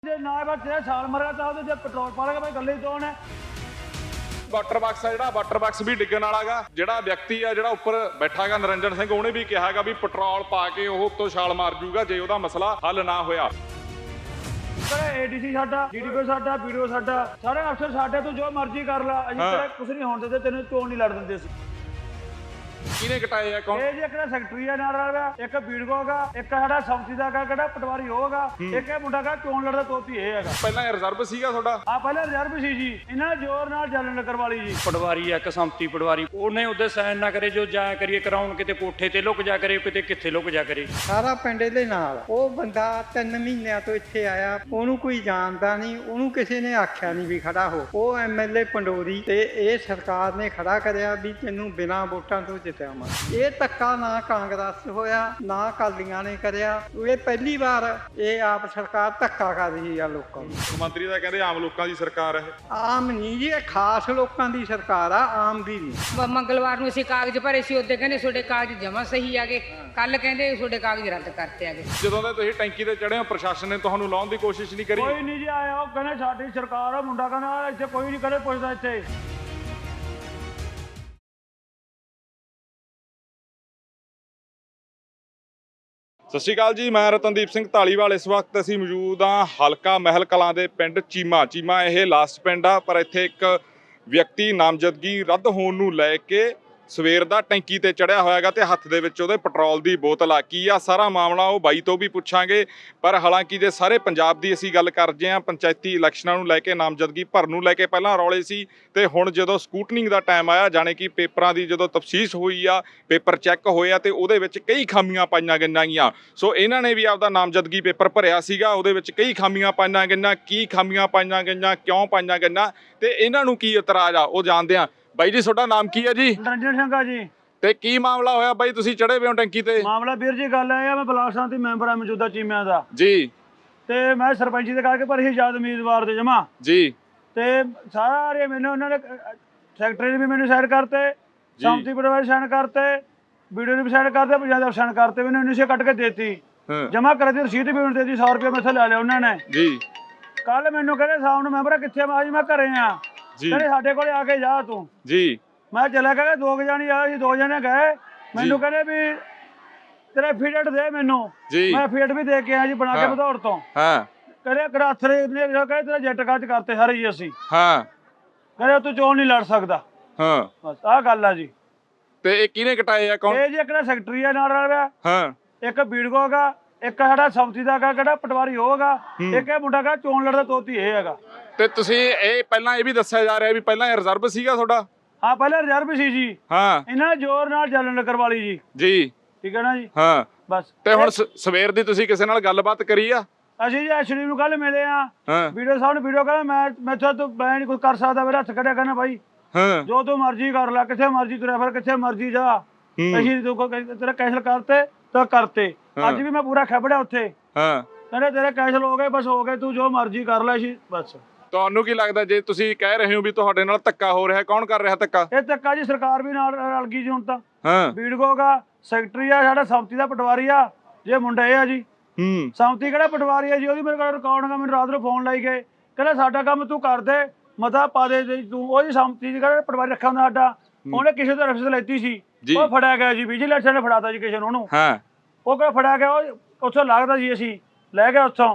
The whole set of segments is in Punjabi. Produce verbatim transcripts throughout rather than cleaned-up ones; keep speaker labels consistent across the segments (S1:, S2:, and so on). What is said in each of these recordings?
S1: ਜੇ ਨਾ ਬਸ ਜੇ ਛਾਲ ਮਾਰੇਗਾ ਤਾਂ ਉਹਦੇ ਜੇ ਪੈਟਰੋਲ ਪਾ ਲੇਗਾ ਭਾਈ ਗੱਲੇ ਹੀ ਕੌਣ ਹੈ।
S2: ਵਾਟਰ ਬਾਕਸ ਆ ਜਿਹੜਾ ਵਾਟਰ ਬਾਕਸ ਵੀ ਡਿੱਗਣ ਵਾਲਾਗਾ। ਜਿਹੜਾ ਵਿਅਕਤੀ ਆ ਜਿਹੜਾ ਉੱਪਰ ਬੈਠਾਗਾ ਨਰਿੰਦਰ ਸਿੰਘ, ਉਹਨੇ ਵੀ ਕਿਹਾਗਾ ਵੀ ਪੈਟਰੋਲ ਪਾ ਕੇ ਉਹ ਉੱਤੋਂ ਛਾਲ ਮਾਰ ਜੂਗਾ ਜੇ ਉਹਦਾ ਮਸਲਾ ਹੱਲ ਨਾ ਹੋਇਆ।
S1: ਏਡੀਸੀ ਸਾਡਾ, ਡੀਡੀਪੀ ਸਾਡਾ, ਵੀਡੀਓ ਸਾਡਾ, ਸਾਰੇ ਅਫਸਰ ਸਾਡੇ ਤੋਂ ਜੋ ਮਰਜ਼ੀ ਕਰ ਲਾ, ਅਸੀਂ ਤੇਰਾ ਕੁਝ ਨਹੀਂ ਹੋਣ ਦਿੰਦੇ, ਤੈਨੂੰ ਚੋਣ ਨਹੀਂ ਲੜ ਦਿੰਦੇ ਸੀ।
S2: ਕਿਹਨੇ ਕਟਾਏ ਆ ਕੌਣ?
S1: ਇਹ ਜੀ ਇੱਕ ਸੈਕਟਰੀ ਆ ਨਾਲ ਵਾਲਾ, ਇੱਕ ਬੀੜਗੋਗਾ, ਇੱਕ ਸਾਡਾ ਸੰਮਤੀ ਦਾ ਗਾ ਕਿਹੜਾ ਪਟਵਾਰੀ ਹੋਗਾ, ਇੱਕ ਇਹ ਮੁੰਡਾ ਕਾ ਚੋਣ ਲੜਦਾ ਤੋਤੀ ਇਹ ਹੈਗਾ।
S2: ਪਹਿਲਾਂ ਰਿਜ਼ਰਵ ਸੀਗਾ ਤੁਹਾਡਾ?
S1: ਆ ਪਹਿਲਾਂ ਰਿਜ਼ਰਵ ਸੀ ਜੀ, ਇਹਨਾਂ ਨੇ ਜ਼ੋਰ ਨਾਲ ਜਲਨ ਨਗਰ ਵਾਲੀ ਜੀ
S3: ਪਟਵਾਰੀ ਆ ਇੱਕ ਸੰਮਤੀ ਪਟਵਾਰੀ, ਉਹਨੇ ਉਹਦੇ ਸਾਈਨ ਨਾ ਕਰੇ ਜੋ ਜਾਇਆ ਕਰੀਏ ਕਰਾਉਣ, ਕਿਤੇ ਕੋਠੇ ਤੇ ਲੁਕ ਜਾ ਕਰੇ, ਕਿਤੇ ਕਿੱਥੇ ਲੁਕ ਜਾ ਕਰੇ।
S4: ਸਾਰਾ ਪਿੰਡ ਦੇ ਨਾਲ ਉਹ ਬੰਦਾ ਤਿੰਨ ਮਹੀਨਿਆਂ ਤੋਂ ਇੱਥੇ ਆਇਆ, ਉਹਨੂੰ ਕੋਈ ਜਾਣਦਾ ਨਹੀਂ, ਉਹਨੂੰ ਕਿਸੇ ਨੇ ਆਖਿਆ ਨਹੀਂ ਵੀ ਖੜਾ ਹੋ। ਉਹ ਐਮਐਲਏ ਪੰਡੋਰੀ ਤੇ ਇਹ ਸਰਕਾਰ ਨੇ ਖੜਾ ਕਰਿਆ ਵੀ ਤੈਨੂੰ ਬਿਨਾਂ ਵੋਟਾਂ ਤੋਂ ਜਿਤਾਵਾਂ। ਇਹ ਧੱਕਾ ਨਾ ਕਾਂਗਰਸ ਹੋਇਆ ਨਾ ਅਕਾਲੀਆਂ ਨੇ ਕਰਿਆ, ਇਹ ਪਹਿਲੀ ਵਾਰ ਇਹ ਆਪ ਸਰਕਾਰ ਧੱਕਾ ਕਰ ਰਹੀ ਆ ਲੋਕਾਂ ਨੂੰ।
S2: ਮੰਤਰੀ ਦਾ ਕਹਿੰਦੇ ਆਮ ਲੋਕਾਂ ਦੀ ਸਰਕਾਰ ਹੈ।
S4: ਆਮ ਨਹੀਂ ਜੀ, ਇਹ ਖਾਸ ਲੋਕਾਂ ਦੀ ਸਰਕਾਰ ਆ, ਆਮ ਦੀ ਨਹੀਂ।
S5: ਮੰਗਲਵਾਰ ਨੂੰ ਅਸੀਂ ਕਾਗਜ਼ ਭਰੇ ਸੀ, ਉਹਦੇ ਕਹਿੰਦੇ ਤੁਹਾਡੇ ਕਾਗਜ਼ ਜਮਾ ਸਹੀ ਆਗੇ, ਕੱਲ ਕਹਿੰਦੇ ਤੁਹਾਡੇ ਕਾਗਜ਼ ਰੱਦ ਕਰਤੇ ਆਗੇ।
S2: ਜਦੋਂ ਦੇ ਤੁਸੀਂ ਟੈਂਕੀ ਤੇ ਚੜ੍ਹੇ ਹੋ, ਪ੍ਰਸ਼ਾਸਨ ਨੇ ਤੁਹਾਨੂੰ ਲਾਉਣ ਦੀ ਕੋਸ਼ਿਸ਼ ਨਹੀਂ ਕਰੀ?
S1: ਕੋਈ ਨਹੀਂ ਜੀ ਆਇਆ, ਉਹ ਕਹਿੰਦੇ ਸਾਡੀ ਸਰਕਾਰ ਆ, ਮੁੰਡਾ ਕਹਿੰਦਾ ਇੱਥੇ ਕੋਈ ਨਹੀਂ ਕਰੇ ਪੁੱਛਦਾ ਇੱਥੇ।
S2: ਸਤਿ ਸ਼੍ਰੀ ਅਕਾਲ ਜੀ, ਮੈਂ ਰਤਨਦੀਪ ਸਿੰਘ ਢਾਲੀਵਾਲ। ਇਸ ਵਕਤ ਅਸੀਂ ਮੌਜੂਦ ਹਾਂ ਹਲਕਾ ਮਹਿਲ ਕਲਾਂ ਦੇ ਪਿੰਡ ਚੀਮਾ। ਚੀਮਾ ਇਹ ਲਾਸਟ ਪਿੰਡ ਆ, ਪਰ ਇੱਥੇ ਇੱਕ ਵਿਅਕਤੀ ਨਾਮਜ਼ਦਗੀ ਰੱਦ ਹੋਣ ਨੂੰ ਲੈ ਕੇ ਸਵੇਰ ਦਾ ਟੈਂਕੀ ਤੇ ਚੜਿਆ ਹੋਇਆਗਾ ਤੇ ਹੱਥ ਦੇ ਵਿੱਚ ਉਹਦੇ ਪੈਟਰੋਲ ਦੀ ਬੋਤਲ ਆ। ਕੀ ਆ ਸਾਰਾ ਮਾਮਲਾ ਉਹ ਬਾਈ ਤੋਂ ਵੀ ਪੁੱਛਾਂਗੇ। ਪਰ ਹਾਲਾਂਕਿ ਜੇ ਸਾਰੇ ਪੰਜਾਬ ਦੀ ਅਸੀਂ ਗੱਲ ਕਰਦੇ ਹਾਂ, ਪੰਚਾਇਤੀ ਇਲੈਕਸ਼ਨਾਂ ਨੂੰ ਲੈ ਕੇ ਨਾਮਜ਼ਦਗੀ ਭਰਨ ਨੂੰ ਲੈ ਕੇ ਪਹਿਲਾਂ ਰੌਲੇ ਸੀ, ਤੇ ਹੁਣ ਜਦੋਂ ਸਕੂਟਨਿੰਗ ਦਾ ਟਾਈਮ ਆਇਆ, ਜਾਣੇ ਕਿ ਪੇਪਰਾਂ ਦੀ ਜਦੋਂ ਤਫਸੀਸ਼ ਹੋਈ ਆ, ਪੇਪਰ ਚੈੱਕ ਹੋਇਆ ਤੇ ਉਹਦੇ ਵਿੱਚ ਕਈ ਖਾਮੀਆਂ ਪਾਈਆਂ ਗਈਆਂ। ਸੋ ਇਹਨਾਂ ਨੇ ਵੀ ਆਪਦਾ ਨਾਮਜ਼ਦਗੀ ਪੇਪਰ ਭਰਿਆ ਸੀਗਾ, ਉਹਦੇ ਵਿੱਚ ਕਈ ਖਾਮੀਆਂ ਪਾਈਆਂ ਗਈਆਂ। ਕੀ ਖਾਮੀਆਂ ਪਾਈਆਂ ਗਈਆਂ, ਕਿਉਂ ਪਾਈਆਂ ਗਈਆਂ ਤੇ ਇਹਨਾਂ ਨੂੰ ਕੀ ਇਤਰਾਜ਼ ਆ, ਉਹ ਜਾਣਦੇ ਆ। ਬਾਈ ਜੀ ਤੁਹਾਡਾ ਨਾਮ ਕੀ ਹੈ ਜੀ?
S1: ਨਰਿੰਦਰ ਸਿੰਘ ਆ ਜੀ।
S2: ਤੇ ਕੀ ਮਾਮਲਾ ਹੋਇਆ ਬਾਈ, ਤੁਸੀਂ ਚੜੇ ਪਏ ਹੋ ਟੈਂਕੀ ਤੇ?
S1: ਮਾਮਲਾ ਵੀਰ ਜੀ ਗੱਲ ਇਹ ਆ, ਮੈਂ ਬਲਾਕ ਸੰਮਤੀ ਮੈਂਬਰ ਆ ਮੌਜੂਦਾ ਚੀਮਿਆਂ ਦਾ
S2: ਜੀ।
S1: ਤੇ ਮੈਂ ਸਰਪੰਚੀ ਦੇ ਕਰਕੇ ਪਰ ਹੀ ਆਜ਼ਾਦ ਉਮੀਦਵਾਰ ਦੇ ਜਮਾ
S2: ਜੀ।
S1: ਤੇ ਸਾਰੇ ਮੈਨੂੰ ਉਹਨਾਂ ਨੇ ਸੈਕਟਰੀ ਨੇ ਵੀ ਮੈਨੂੰ ਸਾਈਨ ਕਰਤੇ, ਸੰਮਤੀ ਪਟਵਾਰੀ ਸਾਈਨ ਕਰਤੇ, ਵੀਡੀਓ ਨੇ ਵੀ ਸਾਈਨ ਕਰਤੇ, ਪੰਜਾਬ ਦੇ ਸਾਈਨ ਕਰਤੇ, ਮੈਨੂੰ ਉੱਨੀ ਸੌ ਕੱਟ ਕੇ ਦੇਤੀ, ਜਮਾ ਕਰ ਦੀ ਰਸੀਦ ਵੀ ਮੈਨੂੰ ਦੇਤੀ, ਸੌ ਰੁਪਏ ਮੈਥੋਂ ਲੈ ਲਿਆ ਉਹਨਾਂ ਨੇ
S2: ਜੀ।
S1: ਕੱਲ ਮੈਨੂੰ ਕਹਿੰਦੇ ਸ਼ਾਮ ਨੂੰ ਮੈਂਬਰ ਕਿੱਥੇ? ਮੈਂ ਜੀ ਮੈਂ ਘਰੇ ਆ। ਕਹਿੰਦੇ ਸਾਡੇ ਕੋਲੇ ਆ ਕੇ ਜਾ ਤੂੰ।
S2: ਜੀ।
S1: ਮੈਂ ਚਲਾ ਗਿਆ, ਦੋ ਕੁ ਜਾਣੀ ਆਏ ਸੀ, ਦੋ ਜਣੇ ਗਏ, ਮੈਨੂੰ ਕਹਿੰਦੇ ਵੀ ਤੇਰੇ ਫੀਡਟ ਦੇ ਮੈਨੂੰ। ਮੈਂ ਫੀਡ ਵੀ ਦੇ ਕੇ ਆਇਆ ਜੀ ਬਣਾ ਕੇ ਬਧੌਰ ਤੋਂ।
S2: ਹਾਂ।
S1: ਕਹਿੰਦੇ ਕਰਾਥਰੇ ਨੇ ਕਹਿੰਦੇ ਤੇਰਾ ਜੱਟ ਕਾਜ ਕਰਤੇ ਸਾਰੇ ਜੀ ਅਸੀਂ।
S2: ਹਾਂ।
S1: ਕਹਿੰਦੇ ਤੂੰ ਚੋਣ ਨਹੀਂ ਲੜ ਸਕਦਾ।
S2: ਹਾਂ।
S1: ਬਸ ਆਹ ਗੱਲ ਆ ਜੀ।
S2: ਤੇ ਇਹ ਕਿਹਨੇ ਕਟਾਏ ਆ ਕੌਣ?
S1: ਇਹ ਜੀ ਇੱਕ ਸੈਕਟਰੀ ਆ ਨਾਲ ਵਾਲਾ।
S2: ਹਾਂ।
S1: ਇੱਕ ਬੀੜਗੋਗਾ, ਇੱਕ ਸਾਡਾ ਸੰਮਤੀ ਦਾ ਗਾ ਕਿਹੜਾ ਪਟਵਾਰੀ ਹੋਗਾ, ਇੱਕ ਇਹ ਮੁੰਡਾ ਕਾ ਚੋਣ ਲੜਦਾ ਤੋਤੀ ਇਹ ਹੈਗਾ।
S2: ਤੇ ਤੁਸੀਂ ਇਹ ਪਹਿਲਾਂ ਇਹ ਵੀ ਦੱਸਿਆ ਜਾ ਰਿਹਾ ਵੀ ਪਹਿਲਾਂ ਇਹ ਰਿਜ਼ਰਵ ਸੀਗਾ ਤੁਹਾਡਾ?
S1: ਹਾਂ ਪਹਿਲਾਂ ਰਿਜ਼ਰਵ ਸੀ ਜੀ।
S2: ਹਾਂ।
S1: ਇਹਨਾਂ ਨੇ ਜ਼ੋਰ ਨਾਲ ਜਲਨ ਨਗਰ ਵਾਲੀ ਜੀ।
S2: ਜੀ।
S1: ਠੀਕ ਹੈ ਨਾ ਜੀ।
S2: ਹਾਂ।
S1: ਬਸ
S2: ਤੇ ਹੁਣ ਸਵੇਰ ਦੀ ਤੁਸੀਂ ਕਿਸੇ ਨਾਲ ਗੱਲਬਾਤ ਕਰੀ ਆ?
S1: ਅਸੀਂ ਜੀ ਐਸਡੀ ਨੂੰ ਕੱਲ ਮਿਲੇ ਆ।
S2: ਹਾਂ।
S1: ਵੀਡੀਓ ਸਾਹਿਬ ਨੂੰ ਵੀਡੀਓ ਕਹਿੰਦਾ ਮੈਂ ਮੈਥੋਂ ਤੂੰ ਮੈਂ ਨਹੀਂ ਕੁਝ ਕਰ ਸਕਦਾ, ਮੇਰਾ ਹੱਥ ਕੱਢਿਆ ਕਹਿੰਦਾ ਬਾਈ
S2: ਹਾਂ
S1: ਜੋ ਤੂੰ ਮਰਜ਼ੀ ਕਰ ਲੈ, ਕਿੱਥੇ ਮਰਜ਼ੀ ਤੁਰਿਆ ਫਿਰ, ਕਿੱਥੇ ਮਰਜ਼ੀ ਜਾ, ਅਸੀਂ ਤੂੰ ਤੇਰਾ ਕੈਂਸਲ ਕਰਤੇ ਤਾਂ ਕਰਤੇ। ਅੱਜ ਵੀ ਮੈਂ ਪੂਰਾ ਖੱਬੜਿਆ ਉੱਥੇ।
S2: ਹਾਂ।
S1: ਕਹਿੰਦੇ ਤੇਰੇ ਕੈਂਸਲ ਹੋ ਗਏ, ਬਸ ਹੋ ਗਏ, ਤੂੰ ਜੋ ਮਰਜ਼ੀ ਕਰ ਲੈ ਸੀ ਬਸ।
S2: ਤੁਹਾਨੂੰ ਕੀ ਲੱਗਦਾ ਜੇ ਤੁਸੀਂ ਕਹਿ ਰਹੇ ਹੋ ਵੀ ਤੁਹਾਡੇ ਨਾਲ ਧੱਕਾ ਹੋ ਰਿਹਾ, ਕੌਣ ਕਰ ਰਿਹਾ ਧੱਕਾ?
S1: ਇਹ ਧੱਕਾ ਜੀ ਸਰਕਾਰ ਵੀ ਨਾਲ ਰਲ ਗਈ ਜੀ ਹੁਣ ਤਾਂ।
S2: ਹਾਂ।
S1: ਬੀੜਗੋਗਾ ਸੈਕਟਰੀ ਆ, ਸਾਡਾ ਸੰਮਤੀ ਦਾ ਪਟਵਾਰੀ ਆ, ਜੇ ਮੁੰਡਾ ਇਹ ਆ ਜੀ।
S2: ਹੂੰ।
S1: ਸੰਮਤੀ ਕਿਹੜਾ ਪਟਵਾਰੀ ਆ ਜੀ, ਉਹਦੀ ਮੇਰੇ ਕੋਲ ਰਿਕਾਰਡਿੰਗ, ਮੈਨੂੰ ਰਾਤ ਨੂੰ ਫੋਨ ਲਾਈ ਗਏ, ਕਹਿੰਦਾ ਸਾਡਾ ਕੰਮ ਤੂੰ ਕਰ ਦੇ, ਮਤਾ ਪਾ ਦੇ ਤੂੰ। ਉਹਦੀ ਸੰਮਤੀ ਜਿਹੜਾ ਪਟਵਾਰੀ ਰੱਖਿਆ ਹੁੰਦਾ ਸਾਡਾ, ਉਹਨੇ ਕਿਸੇ ਤੋਂ ਰਫਸ ਲੈਤੀ ਸੀ, ਉਹ ਫੜਿਆ ਗਿਆ ਜੀ, ਵਿਜੀਲੈਂਸ ਨੇ ਫੜਾਤਾ ਜੀ ਕਿਸੇ ਨੂੰ ਉਹਨੂੰ।
S2: ਹਾਂ।
S1: ਉਹ ਕਿਹੜਾ ਫੜਿਆ ਗਿਆ, ਉਹ ਉੱਥੋਂ ਲੱਗਦਾ ਜੀ, ਅਸੀਂ ਲੈ ਗਏ ਉੱਥੋਂ,